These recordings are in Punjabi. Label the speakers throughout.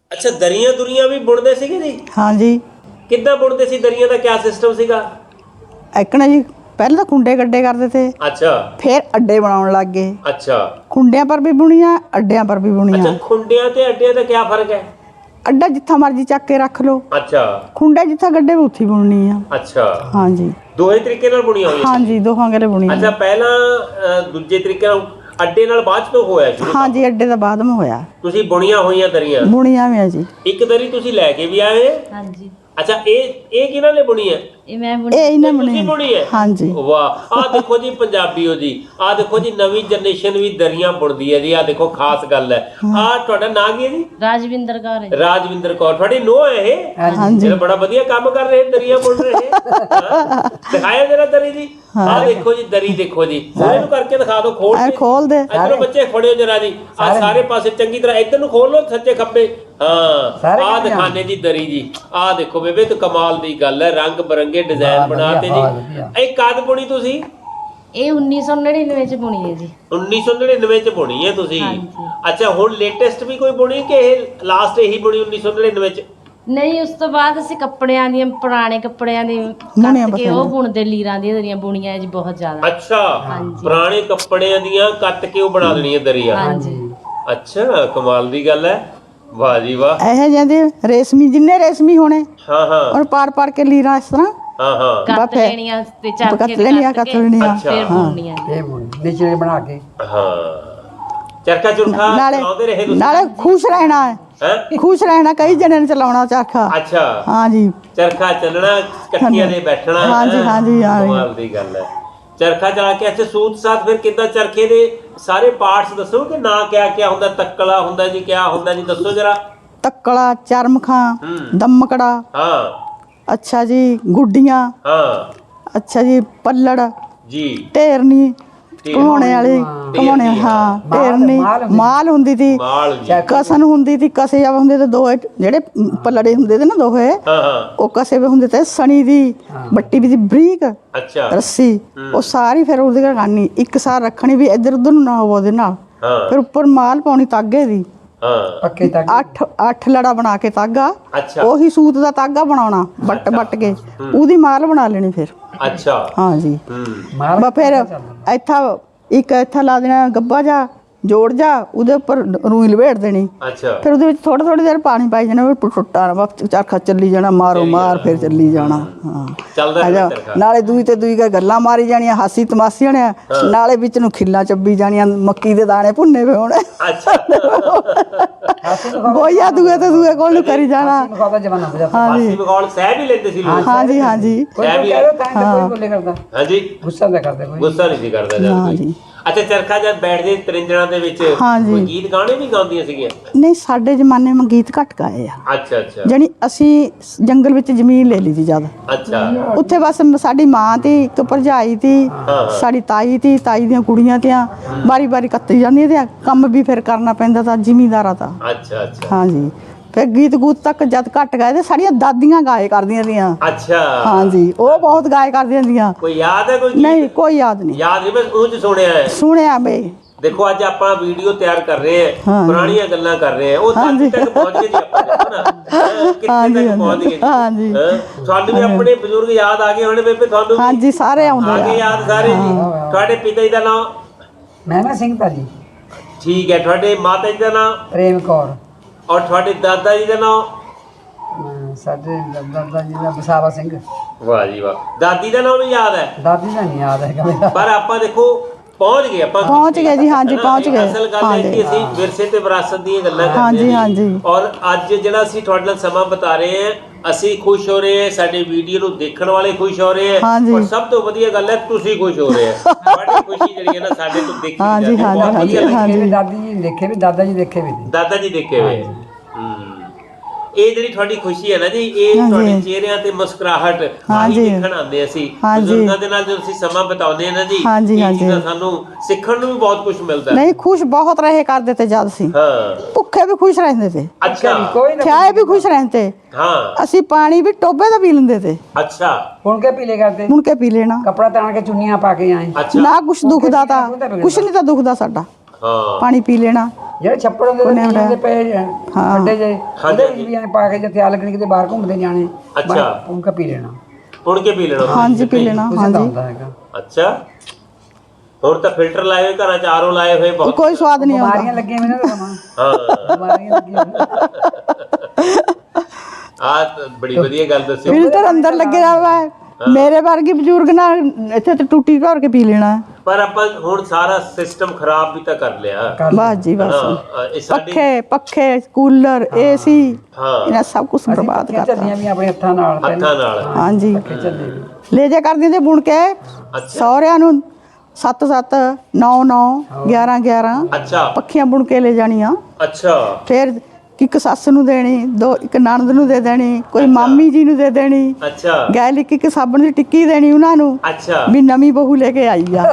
Speaker 1: ਅੱਛਾ ਦਰੀਆਂ ਦੁਰੀਆਂ ਵੀ ਬੁਣਦੇ ਸੀਗੇ ਜੀ?
Speaker 2: ਹਾਂਜੀ।
Speaker 1: ਕਿੱਦਾਂ ਬੁਣਦੇ ਸੀ ਦਰੀਆਂ ਦਾ ਕਿਆ ਸਿਸਟਮ ਸੀਗਾ?
Speaker 2: ਐਕਣਾ ਜੀ ਪਹਿਲਾਂ ਤਾਂ ਖੁੰਡੇ ਗੱਡੇ ਕਰਦੇ ਤੇ,
Speaker 1: ਅੱਛਾ
Speaker 2: ਫਿਰ ਅੱਡੇ ਬਣਾਉਣ ਲੱਗ ਗਏ।
Speaker 1: ਅੱਛਾ
Speaker 2: ਖੁੰਡਿਆਂ ਪਰ ਵੀ ਬੁਣੀਆਂ, ਅੱਡਿਆਂ ਪਰ ਵੀ
Speaker 1: ਅੱਛਾ
Speaker 2: ਬੁਣੀਆਂ।
Speaker 1: ਖੁੰਡਿਆਂ ਤੇ ਅੱਡਿਆਂ ਦਾ ਕਿਆ ਫਰਕ ਹੈ?
Speaker 2: ਅੱਡਾ ਜਿੱਥਾ ਮਰਜੀ ਚੱਕ ਕੇ ਰੱਖ ਲਓ,
Speaker 1: ਅੱਛਾ
Speaker 2: ਖੁੰਡੇ ਜਿੱਥਾ ਗੱਡੇ ਵੀ ਉੱਥੇ ਬੁਣਨੀ ਆ।
Speaker 1: ਅੱਛਾ
Speaker 2: ਹਾਂਜੀ
Speaker 1: ਦੋਹੇ ਤਰੀਕੇ ਨਾਲ ਬੁਣੀਆਂ ਹੋਈਆਂ?
Speaker 2: ਹਾਂਜੀ, ਦੋਹਾਂ ਗਲੇ ਬੁਣੀ
Speaker 1: ਅੱਛਾ ਪਹਿਲਾਂ ਦੂਜੇ ਤਰੀਕੇ ਨਾਲ ਅੱਡੇ ਨਾਲ ਬਾਅਦ 'ਚ ਤੋਂ ਹੋਇਆ ਸ਼ੁਰੂ?
Speaker 2: ਹਾਂਜੀ, ਅੱਡੇ ਦਾ ਬਾਅਦ में ਹੋਇਆ।
Speaker 1: ਤੁਸੀਂ ਬੁਣੀਆਂ ਹੋਈਆਂ ਦਰੀਆਂ?
Speaker 2: ਬੁਣੀਆਂ ਵੀ ਆ ਜੀ।
Speaker 1: ਇੱਕ ਦਰੀ ਤੁਸੀਂ ਲੈ ਕੇ ਵੀ ਆਏ?
Speaker 3: ਹਾਂਜੀ।
Speaker 1: ਅੱਛਾ ਇਹ ਕਿਹਨਾਂ ਨੇ ਬੁਣੀ ਹੈ?
Speaker 3: ਇਹ ਮੈਂ
Speaker 2: ਇਹ ਇਹਨੇ
Speaker 1: ਤੁਸੀਂ ਬੁਣੀ ਹੈ?
Speaker 2: ਹਾਂਜੀ।
Speaker 1: ਵਾਹ ਆਹ ਦੇਖੋ ਜੀ ਪੰਜਾਬੀਓ ਜੀ, ਆਹ ਦੇਖੋ ਜੀ ਨਵੀਂ ਜਨਰੇਸ਼ਨ ਵੀ ਦਰੀਆਂ ਬੁਣਦੀ ਹੈ ਜੀ। ਆਹ ਦੇਖੋ ਖਾਸ ਗੱਲ ਹੈ। ਆਹ ਤੁਹਾਡਾ ਨਾਂ ਕੀ ਹੈ ਜੀ?
Speaker 3: ਰਾਜਵਿੰਦਰ ਕੌਰ ਹੈ।
Speaker 1: ਰਾਜਵਿੰਦਰ ਕੌਰ ਤੁਹਾਡੀ ਨੂੰਹ ਹੈ ਇਹ?
Speaker 2: ਹਾਂਜੀ।
Speaker 1: ਇਹ ਬੜਾ ਵਧੀਆ ਕੰਮ ਕਰ ਰਹੇ ਦਰੀਆਂ ਬੁਣ ਰਹੇ। ਦਿਖਾਇਆ ਜਰਾ ਦਰੀ ਜੀ। ਆਹ ਦੇਖੋ ਜੀ ਦਰੀ ਦੇਖੋ ਜੀ, ਇਹਨੂੰ ਕਰਕੇ ਦਿਖਾ ਦਿਓ ਖੋਲ
Speaker 2: ਖੋਲ ਦੇ।
Speaker 1: ਇਧਰੋਂ ਬੱਚੇ ਫੜਿਓ ਜਰਾ ਜੀ, ਆਹ ਸਾਰੇ ਪਾਸੇ ਚੰਗੀ ਤਰ੍ਹਾਂ ਇੱਧਰ ਨੂੰ ਖੋਲ ਲਓ ਸੱਜੇ ਖੱਬੇ। ਹਾਂ ਆਹ ਦਿਖਾਣੇ ਜੀ ਦਰੀ ਜੀ। ਆਹ ਦੇਖੋ ਬੇਬੇ ਤੇ ਕਮਾਲ ਦੀ ਗੱਲ ਹੈ, ਰੰਗ ਬਰੰਗੇ ਡਿਜ਼ਾਈਨ ਬਣਾਤੇ ਜੀ। ਇਹ ਕਦ ਬੁਣੀ ਤੁਸੀਂ?
Speaker 3: ਇਹ 1999 ਚ ਬੁਣੀ ਹੈ ਜੀ।
Speaker 1: 1999 ਚ ਬੁਣੀ ਹੈ ਤੁਸੀਂ?
Speaker 3: ਹਾਂਜੀ।
Speaker 1: ਅੱਛਾ ਹੁਣ ਲੇਟੈਸਟ ਵੀ ਕੋਈ ਬੁਣੀ ਕਿ ਇਹ ਲਾਸਟ ਇਹੀ ਬੁਣੀ 1999 ਚ?
Speaker 3: ਨਹੀਂ ਉਸ ਤੋਂ ਬਾਅਦ ਅਸੀਂ ਕੱਪੜਿਆਂ ਦੀਆਂ, ਪੁਰਾਣੇ ਕੱਪੜਿਆਂ ਦੀ ਕੱਟ ਕੇ ਉਹ ਬੁਣਦੇ, ਲੀਰਾਂ ਦੀਆਂ ਦਰੀਆਂ ਬੁਣੀਆਂ ਜੀ ਬਹੁਤ ਜ਼ਿਆਦਾ।
Speaker 1: ਅੱਛਾ ਪੁਰਾਣੇ ਕੱਪੜਿਆਂ ਦੀਆਂ ਕੱਟ ਕੇ ਉਹ ਬਣਾ ਦੇਣੀਆਂ ਦਰੀਆਂ?
Speaker 3: ਹਾਂਜੀ।
Speaker 1: ਅੱਛਾ ਕਮਾਲ ਦੀ ਗੱਲ ਹੈ, ਵਾਹ ਜੀ ਵਾਹ।
Speaker 2: ਇਹ ਜਾਂਦੇ ਰੇਸ਼ਮੀ, ਜਿੰਨੇ ਰੇਸ਼ਮੀ ਹੋਣੇ
Speaker 1: ਹਾਂ ਹਾਂ
Speaker 2: ਔਰ ਪਾੜ ਕੇ ਲੀਰਾਂ ਇਸ ਤਰ੍ਹਾਂ
Speaker 1: ਹਾਂ ਹਾਂ
Speaker 3: ਕੱਟ ਲੈਣੀਆਂ ਤੇ ਚਰਖੇ
Speaker 2: ਕੱਟ
Speaker 3: ਤੇ
Speaker 2: ਲੈਣੀਆਂ,
Speaker 3: ਕੱਟ
Speaker 2: ਕੱਟ
Speaker 3: ਕੇ
Speaker 2: ਲੈਣੀਆਂ।
Speaker 3: ਫਿਰ ਬੁਣਨੀਆਂ।
Speaker 4: ਇਹ ਨਿਚਲੇ ਬਣਾ ਕੇ
Speaker 1: ਹਾਂ ਚਰਖਾ ਚੁਰਖਾ
Speaker 2: ਨਾਲੇ
Speaker 1: ਚਲਾਉਂਦੇ ਰਹੇ ਤੁਸੀਂ?
Speaker 2: ਨਾਲੇ ਖੁਸ਼ ਰਹਿਣਾ ਹੈ,
Speaker 1: ਹੈਂ?
Speaker 2: ਖੁਸ਼ ਰਹਿਣਾ, ਕਈ ਜਣੇ ਨੇ ਚਲਾਉਣਾ ਚਰਖਾ।
Speaker 1: ਅੱਛਾ
Speaker 2: ਹਾਂਜੀ
Speaker 1: ਚਰਖਾ ਚੱਲਣਾ, ਇਕੱਠੀਆਂ ਦੇ ਬੈਠਣਾ।
Speaker 2: ਹਾਂਜੀ ਹਾਂਜੀ ਹਾਂਜੀ।
Speaker 1: ਕਮਾਲ ਦੀ ਗੱਲ ਹੈ। ਚਰਖਾ ਚਲਾ ਕੇ ਅੱਛਾ ਸੂਤ ਸਾਥ ਫਿਰ ਕਿੱਦਾਂ ਚਰਖੇ ਦੇ ਸਾਰੇ ਪਾਰਟਸ ਦੱਸੋ ਕਿ ਨਾ ਕਿਆ ਕਿਆ ਹੁੰਦਾ? ਤੱਕਲਾ ਹੁੰਦਾ ਜੀ, ਕਿਆ ਹੁੰਦਾ ਜੀ, ਦੱਸੋ ਜਰਾ।
Speaker 2: ਤੱਕਲਾ, ਚਰਮਖਾਂ, ਦਮਕੜਾ,
Speaker 1: ਹਾਂ
Speaker 2: ਅੱਛਾ ਜੀ, ਗੁੱਡੀਆਂ,
Speaker 1: ਹਾਂ
Speaker 2: ਅੱਛਾ ਜੀ, ਪੱਲੜ,
Speaker 1: ਜੀ
Speaker 2: ਢੇਰਨੀ, ਘਮਾਉਣੇ ਵਾਲੀ, ਘਮਾਉਣੇ, ਹਾਂ ਢੇਰਨੀ, ਮਾਲ ਹੁੰਦੀ ਤੀ,
Speaker 1: ਮਾਲ ਜੀ।
Speaker 2: ਕਸਨ ਹੁੰਦੀ ਤੀ, ਕਸੇ ਜਾਵੇ ਹੁੰਦੇ ਤੇ ਦੋਏ ਜਿਹੜੇ ਪੱਲੜੇ ਹੁੰਦੇ ਤੇ ਨਾ ਦੋਹੇ,
Speaker 1: ਹਾਂ ਹਾਂ
Speaker 2: ਉਹ ਕਸੇ ਵੇ ਹੁੰਦੇ ਤੇ ਸਣੀ ਦੀ ਬੱਟੀ ਵੀ ਦੀ ਬਰੀਕ
Speaker 1: ਅੱਛਾ
Speaker 2: ਰੱਸੀ, ਉਹ ਸਾਰੀ ਫਿਰ ਉਹਦੇ ਕਰਨੀ ਇੱਕ ਸਾਰ ਰੱਖਣੀ ਵੀ ਇੱਧਰ ਉੱਧਰ ਨੂੰ ਨਾ ਹੋਵੇ ਉਹਦੇ ਨਾਲ।
Speaker 1: ਹਾਂ
Speaker 2: ਫਿਰ ਉੱਪਰ ਮਾਲ ਪਾਉਣੀ ਤਾਗੇ ਦੀ,
Speaker 1: ਹਾਂ
Speaker 4: ਪੱਕੇ ਤੱਕ
Speaker 2: 8 ਲੜਾ ਬਣਾ ਕੇ ਤਾਗਾ,
Speaker 1: ਅੱਛਾ
Speaker 2: ਉਹੀ ਸੂਤ ਦਾ ਤਾਗਾ ਬਣਾਉਣਾ ਬੱਟ ਕੇ, ਉਹਦੀ ਮਾਲ ਬਣਾ ਲੈਣੀ ਫਿਰ।
Speaker 1: ਅੱਛਾ
Speaker 2: ਹਾਂਜੀ
Speaker 4: ਮਾਲ
Speaker 2: ਬਾ ਫਿਰ ਇੱਥਾ ਲਾ ਦੇਣਾ ਗੱਬਾ ਜਾ, ਜੋੜ ਜਾ, ਉਹਦੇ ਉੱਪਰ ਰੂਈ ਲਵੇੜ ਦੇਣੀ।
Speaker 1: ਅੱਛਾ
Speaker 2: ਫਿਰ ਉਹਦੇ ਵਿੱਚ ਥੋੜੀ ਦੇਰ ਪਾਣੀ ਪਾਈ ਜਾਣਾ, ਟੁੱਟਾ ਨਾ ਬਸ ਚਰਖਾ ਚੱਲੀ ਜਾਣਾ, ਮਾਰੋ ਮਾਰ ਫਿਰ ਚੱਲੀ ਜਾਣਾ। ਹਾਂ
Speaker 1: ਚੱਲਦਾ ਰਹਿੰਦਾ ਚਰਖਾ।
Speaker 2: ਨਾਲੇ ਦੂਈ ਤੇ ਦੂਈ ਗੱਲਾਂ ਮਾਰੀ ਜਾਣੀਆਂ, ਹਾਸੀ ਤਮਾਸ਼ੀ ਹੋਣਿਆ, ਨਾਲੇ ਵਿੱਚ ਨੂੰ ਖਿੱਲਾਂ ਚੱਬੀ ਜਾਣੀਆਂ, ਮੱਕੀ ਦੇ ਦਾਣੇ ਭੁੰਨੇ ਪਏ ਹੋਣੇ।
Speaker 1: ਅੱਛਾ
Speaker 2: ਗੋਈਆ ਦੂਏ ਤੇ ਦੂਏ ਕੋਲ ਨੂੰ ਕਰੀ ਜਾਣਾ।
Speaker 4: ਮਖੌਦਾ ਜ਼ਮਾਨਾ ਹੋ ਜਾਂਦਾ।
Speaker 1: ਹਾਸੀ ਮਖੌਲ ਸਹਿ ਵੀ ਲੈਂਦੇ ਸੀ ਲੋਕ?
Speaker 2: ਹਾਂਜੀ ਹਾਂਜੀ
Speaker 4: ਕੋਈ ਕਹਿ ਤਾਂ ਕੋਈ ਬੋਲੇ ਕਰਦਾ,
Speaker 1: ਹਾਂਜੀ
Speaker 4: ਗੁੱਸਾ ਨਾ ਕਰਦਾ ਕੋਈ।
Speaker 1: ਗੁੱਸਾ ਨਹੀਂ ਸੀ ਕਰਦਾ ਜਦ ਕੋਈ। ਅੱਛਾ ਚਰਖਾ ਜਦ ਬੈਠਦੇ ਤਰਿੰਜਣਾ ਦੇ ਵਿੱਚ ਕੋਈ ਗੀਤ ਗਾਣੇ ਵੀ ਗਾਉਂਦੀਆਂ ਸੀਗੀਆਂ?
Speaker 2: ਨਹੀਂ ਸਾਡੇ ਜ਼ਮਾਨੇ में ਗੀਤ ਘੱਟ ਗਾਏ ਆ।
Speaker 1: ਅੱਛਾ ਅੱਛਾ
Speaker 2: ਜਾਣੀ ਅਸੀਂ ਜੰਗਲ ਵਿੱਚ ਜ਼ਮੀਨ ਲੈ ਲਈ ਸੀ ਜਦ,
Speaker 1: ਅੱਛਾ
Speaker 2: ਉੱਥੇ ਬਸ ਸਾਡੀ ਮਾਂ ਤੀ, ਇੱਕ ਭਰਜਾਈ ਤੀ, ਸਾਡੀ ਤਾਈ ਤੀ, ਤਾਈ ਦੀਆਂ ਕੁੜੀਆਂ ਤੀਆਂ, ਵਾਰੀ ਵਾਰੀ ਕੱਤੀ ਜਾਂਦੀਆਂ ਤੇ ਕੰਮ ਵੀ ਫਿਰ ਕਰਨਾ ਪੈਂਦਾ ਤਾਂ ਜ਼ਿਮੀਂਦਾਰਾਂ ਦਾ।
Speaker 1: ਅੱਛਾ ਅੱਛਾ
Speaker 2: ਹਾਂਜੀ ਫਿਰ ਗੀਤ ਗੂਤ ਤੱਕ ਜਦ ਘੱਟ ਗਏ ਤੇ ਸਾਡੀਆਂ ਦਾਦੀਆਂ ਗਾਏ ਕਰਦੀਆਂ ਤੀਆਂ।
Speaker 1: ਅੱਛਾ
Speaker 2: ਹਾਂਜੀ ਉਹ ਬਹੁਤ ਗਾਏ ਕਰਦੀਆਂ ਤੀਆਂ।
Speaker 1: ਕੋਈ ਯਾਦ ਹੈ ਕੋਈ ਗੀਤ?
Speaker 2: ਨਹੀਂ ਕੋਈ ਯਾਦ ਨਹੀਂ।
Speaker 1: ਯਾਦ ਨਹੀਂ, ਬਸ ਉਹ ਚ ਸੁਣਿਆ ਹੈ।
Speaker 2: ਸੁਣਿਆ ਬਈ।
Speaker 1: ਦੇਖੋ ਅੱਜ ਆਪਾਂ ਵੀਡੀਓ ਤਿਆਰ ਕਰ ਰਹੇ ਹਾਂ, ਪੁਰਾਣੀਆਂ ਗੱਲਾਂ ਕਰ ਰਹੇ ਹਾਂ, ਉਹ ਤੱਕ ਤੱਕ ਪਹੁੰਚ ਗਏ ਜੀ ਆਪਾਂ, ਦੇਖੋ ਨਾ ਕਿੱਥੇ ਤੱਕ ਪਹੁੰਚ ਗਏ ਜੀ।
Speaker 2: ਹਾਂਜੀ
Speaker 1: ਤੁਹਾਨੂੰ ਵੀ ਆਪਣੇ ਬਜ਼ੁਰਗ ਯਾਦ ਆ ਗਏ ਹੋਣੇ ਬੇਬੇ? ਤੁਹਾਨੂੰ ਵੀ
Speaker 2: ਹਾਂਜੀ ਸਾਰੇ ਆਉਂਦੇ
Speaker 1: ਆ ਗਏ ਯਾਦ ਸਾਰੇ ਜੀ। ਤੁਹਾਡੇ ਪਿਤਾ ਜੀ ਦਾ ਨਾਮ?
Speaker 4: ਮਹਿਮਾ ਸਿੰਘ ਭਾਜੀ।
Speaker 1: ਠੀਕ ਹੈ। ਤੁਹਾਡੇ ਮਾਤਾ ਜੀ ਦਾ ਨਾਮ?
Speaker 4: ਪ੍ਰੇਮ ਕੌਰ।
Speaker 1: ਔਰ ਤੁਹਾਡੇ ਦਾਦਾ ਜੀ ਦਾ ਨਾਮ?
Speaker 4: ਸਾਡੇ ਦਾਦਾ ਜੀ ਦਾ ਬਸਾਵਾ ਸਿੰਘ।
Speaker 1: ਵਾਹ ਜੀ ਵਾਹ। ਦਾਦੀ ਦਾ ਨਾਮ ਵੀ ਯਾਦ ਹੈ?
Speaker 4: ਦਾਦੀ ਦਾ ਨਹੀਂ ਯਾਦ ਹੈਗਾ ਮੇਰਾ।
Speaker 1: ਪਰ ਆਪਾਂ ਦੇਖੋ ਪਹੁੰਚ ਗਏ, ਆਪਾਂ
Speaker 2: ਪਹੁੰਚ ਗਏ ਜੀ। ਹਾਂਜੀ ਪਹੁੰਚ ਗਏ।
Speaker 1: ਅਸਲ ਗੱਲ ਹੈ ਕਿ ਅਸੀਂ ਵਿਰਸੇ ਤੇ ਵਿਰਾਸਤ ਦੀਆਂ ਗੱਲਾਂ ਕਰਦੇ ਹਾਂ।
Speaker 2: ਹਾਂਜੀ ਹਾਂਜੀ।
Speaker 1: ਔਰ ਅੱਜ ਜਿਹੜਾ ਅਸੀਂ ਤੁਹਾਡੇ ਨਾਲ ਸਮਾਂ ਬਿਤਾ ਰਹੇ ਹਾਂ, ਅਸੀਂ ਖੁਸ਼ ਹੋ ਰਹੇ ਹਾਂ, ਸਾਡੇ ਵੀਡੀਓ ਨੂੰ ਦੇਖਣ ਵਾਲੇ ਖੁਸ਼ ਹੋ ਰਹੇ ਆ, ਔਰ ਸਭ ਤੋਂ ਵਧੀਆ ਗੱਲ ਹੈ ਤੁਸੀਂ ਖੁਸ਼ ਹੋ ਰਹੇ ਆ। ਤੁਹਾਡੀ ਖੁਸ਼ੀ ਜਿਹੜੀ ਹੈ ਨਾ ਸਾਡੇ ਤੋਂ ਦੇਖੀ ਜਾਂਦੀ ਹੈ।
Speaker 4: ਦਾਦੀ ਜੀ ਦੇਖੇ ਵੀ, ਦਾਦਾ ਜੀ ਦੇਖੇ ਵੀ,
Speaker 1: ਦਾਦਾ ਜੀ ਦੇਖੇ ਹੋਏ। ਇਹ ਜਿਹੜੀ ਤੁਹਾਡੀ ਖੁਸ਼ੀ ਹੈ ਨਾ ਜੀ, ਇਹ ਤੁਹਾਡੇ ਚਿਹਰਿਆਂ ਤੇ ਮੁਸਕਰਾਹਟ ਆਹੀ ਦੇਖਣ ਆਉਂਦੇ ਅਸੀਂ। ਬਜ਼ੁਰਗਾਂ ਦੇ ਨਾਲ ਜਦੋਂ ਅਸੀਂ ਸਮਾਂ ਬਿਤਾਉਂਦੇ ਹਾਂ ਨਾ ਜੀ, ਇਹ ਚੀਜ਼ਾਂ ਸਾਨੂੰ ਸਿੱਖਣ ਨੂੰ ਵੀ ਬਹੁਤ ਕੁਝ ਮਿਲਦਾ।
Speaker 2: ਨਹੀਂ ਖੁਸ਼ ਬਹੁਤ ਰਹੇ ਕਰਦੇ ਤੇ ਜਦ ਸੀ।
Speaker 1: ਹਾਂ
Speaker 2: ਭੁੱਖੇ ਵੀ ਖੁਸ਼ ਰਹਿੰਦੇ ਤੇ,
Speaker 1: ਅੱਛਾ
Speaker 2: ਥਿਆਏ ਵੀ ਖੁਸ਼ ਰਹਿੰਦੇ।
Speaker 1: ਹਾਂ
Speaker 2: ਅਸੀਂ ਪਾਣੀ ਵੀ ਟੋਬੇ ਦਾ ਪੀ ਲੈਂਦੇ ਤੇ।
Speaker 1: ਅੱਛਾ
Speaker 4: ਹੁਣ ਕੇ ਪੀਲੇ ਕਰਦੇ,
Speaker 2: ਹੁਣ ਕੇ ਪੀ ਲੈਣਾ।
Speaker 4: ਕੱਪੜਾ ਤਾਣ ਕੇ ਚੁੰਨੀਆਂ ਪਾ ਕੇ ਆਏ।
Speaker 1: ਅੱਛਾ
Speaker 2: ਨਾ ਕੁਛ ਦੁਖਦਾ ਤਾਂ, ਕੁਛ ਨਹੀਂ ਤਾਂ ਦੁਖਦਾ ਸਾਡਾ।
Speaker 1: ਹਾਂ
Speaker 2: ਪਾਣੀ ਪੀ ਲੈਣਾ।
Speaker 4: ਜਿਹੜੇ ਛੱਪੜ ਹੁੰਦੇ ਨੇ ਨੀਹਾਂ ਦੇ ਪਏ ਖੱਡੇ ਜੇ ਉਹਦੇ ਵਿੱਚ ਵੀ ਐਂ ਪਾ ਕੇ ਜਿੱਥੇ ਆ ਲੱਗਣੀ ਕਿਤੇ ਬਾਹਰ ਘੁੰਮਦੇ ਜਾਣੇ
Speaker 1: ਅੱਛਾ
Speaker 4: ਪੁੰਕਾ ਪੀ ਲੈਣਾ
Speaker 1: ਪੁਣ ਕੇ ਪੀ ਲੈਣਾ
Speaker 2: ਹਾਂਜੀ ਪੀ ਲੈਣਾ
Speaker 4: ਕੁਝ ਤਾਂ
Speaker 2: ਹਾਂਜੀ।
Speaker 4: ਹੁੰਦਾ ਹੈਗਾ।
Speaker 1: ਅੱਛਾ ਹੁਣ ਤਾਂ ਫਿਲਟਰ ਲਾਏ ਹੋਏ ਘਰਾਂ ਚ ਆਰਓ ਲਾਏ ਹੋਏ ਬਹੁਤ
Speaker 2: ਕੋਈ ਸਵਾਦ ਨਹੀਂ ਆਉਂਦਾ।
Speaker 4: ਬਿਮਾਰੀਆਂ ਲੱਗੀਆਂ ਹੋਈਆਂ ਨੇ ਸਮਾਂ
Speaker 1: ਹਾਂ
Speaker 4: ਬਿਮਾਰੀਆਂ ਲੱਗੀਆਂ ਹੋਈਆਂ।
Speaker 1: ਆ ਬੜੀ ਵਧੀਆ ਗੱਲ ਦੱਸੀ
Speaker 2: ਫਿਲਟਰ ਅੰਦਰ ਲੱਗਿਆ ਹੋਇਆ ਹੈ। ਮੇਰੇ ਵਰਗੇ ਬਜ਼ੁਰਗ ਨਾਲ ਇੱਥੇ ਤੇ ਟੂਟੀ ਭਰ ਕੇ ਪੀ ਲੈਣਾ ਹੈ।
Speaker 1: ਪਰ ਆਪਾਂ ਹੁਣ ਸਾਰਾ ਸਿਸਟਮ ਖਰਾਬ ਵੀ ਤਾਂ ਕਰ ਲਿਆ
Speaker 2: ਬਸ ਜੀ ਬਸ।
Speaker 1: ਹਾਂ ਇਹ ਸਾਡੀ
Speaker 2: ਪੱਖੇ ਕੂਲਰ ਏਸੀ
Speaker 1: ਹਾਂ
Speaker 2: ਇਹਨਾਂ ਸਭ ਕੁਝ ਬਰਬਾਦ
Speaker 4: ਪੱਖੀਆਂ
Speaker 2: ਕਰਤਾ।
Speaker 4: ਚੱਲੀਆਂ ਵੀ ਆਪਣੇ ਹੱਥਾਂ ਨਾਲ
Speaker 1: ਹੱਥਾਂ ਨਾਲ
Speaker 2: ਹਾਂਜੀ
Speaker 4: ਪੱਖੇ ਚੱਲੇ ਵੀ
Speaker 2: ਲੈ ਜਾ ਕਰਦੀਆਂ ਤੇ ਬੁਣ ਕੇ ਸਹੁਰਿਆਂ ਨੂੰ 7-7 9-9 11-11
Speaker 1: ਅੱਛਾ
Speaker 2: ਪੱਖੀਆਂ ਬੁਣ ਕੇ ਲੈ ਜਾਣੀਆਂ।
Speaker 1: ਅੱਛਾ
Speaker 2: ਫਿਰ ਇੱਕ ਸੱਸ ਨੂੰ ਦੇਣੀ, ਦੋ ਇੱਕ ਨਣਦ ਨੂੰ ਦੇ ਦੇਣੀ, ਕੋਈ ਮਾਮੀ ਜੀ ਨੂੰ ਦੇ ਦੇਣੀ,
Speaker 1: ਅੱਛਾ
Speaker 2: ਗੈਲ ਇੱਕ ਸਾਬਣ ਦੀ ਟਿੱਕੀ ਦੇਣੀ ਉਹਨਾਂ ਨੂੰ
Speaker 1: ਅੱਛਾ
Speaker 2: ਵੀ ਨਵੀਂ ਬਹੂ ਲੈ ਕੇ ਆਈ ਆ।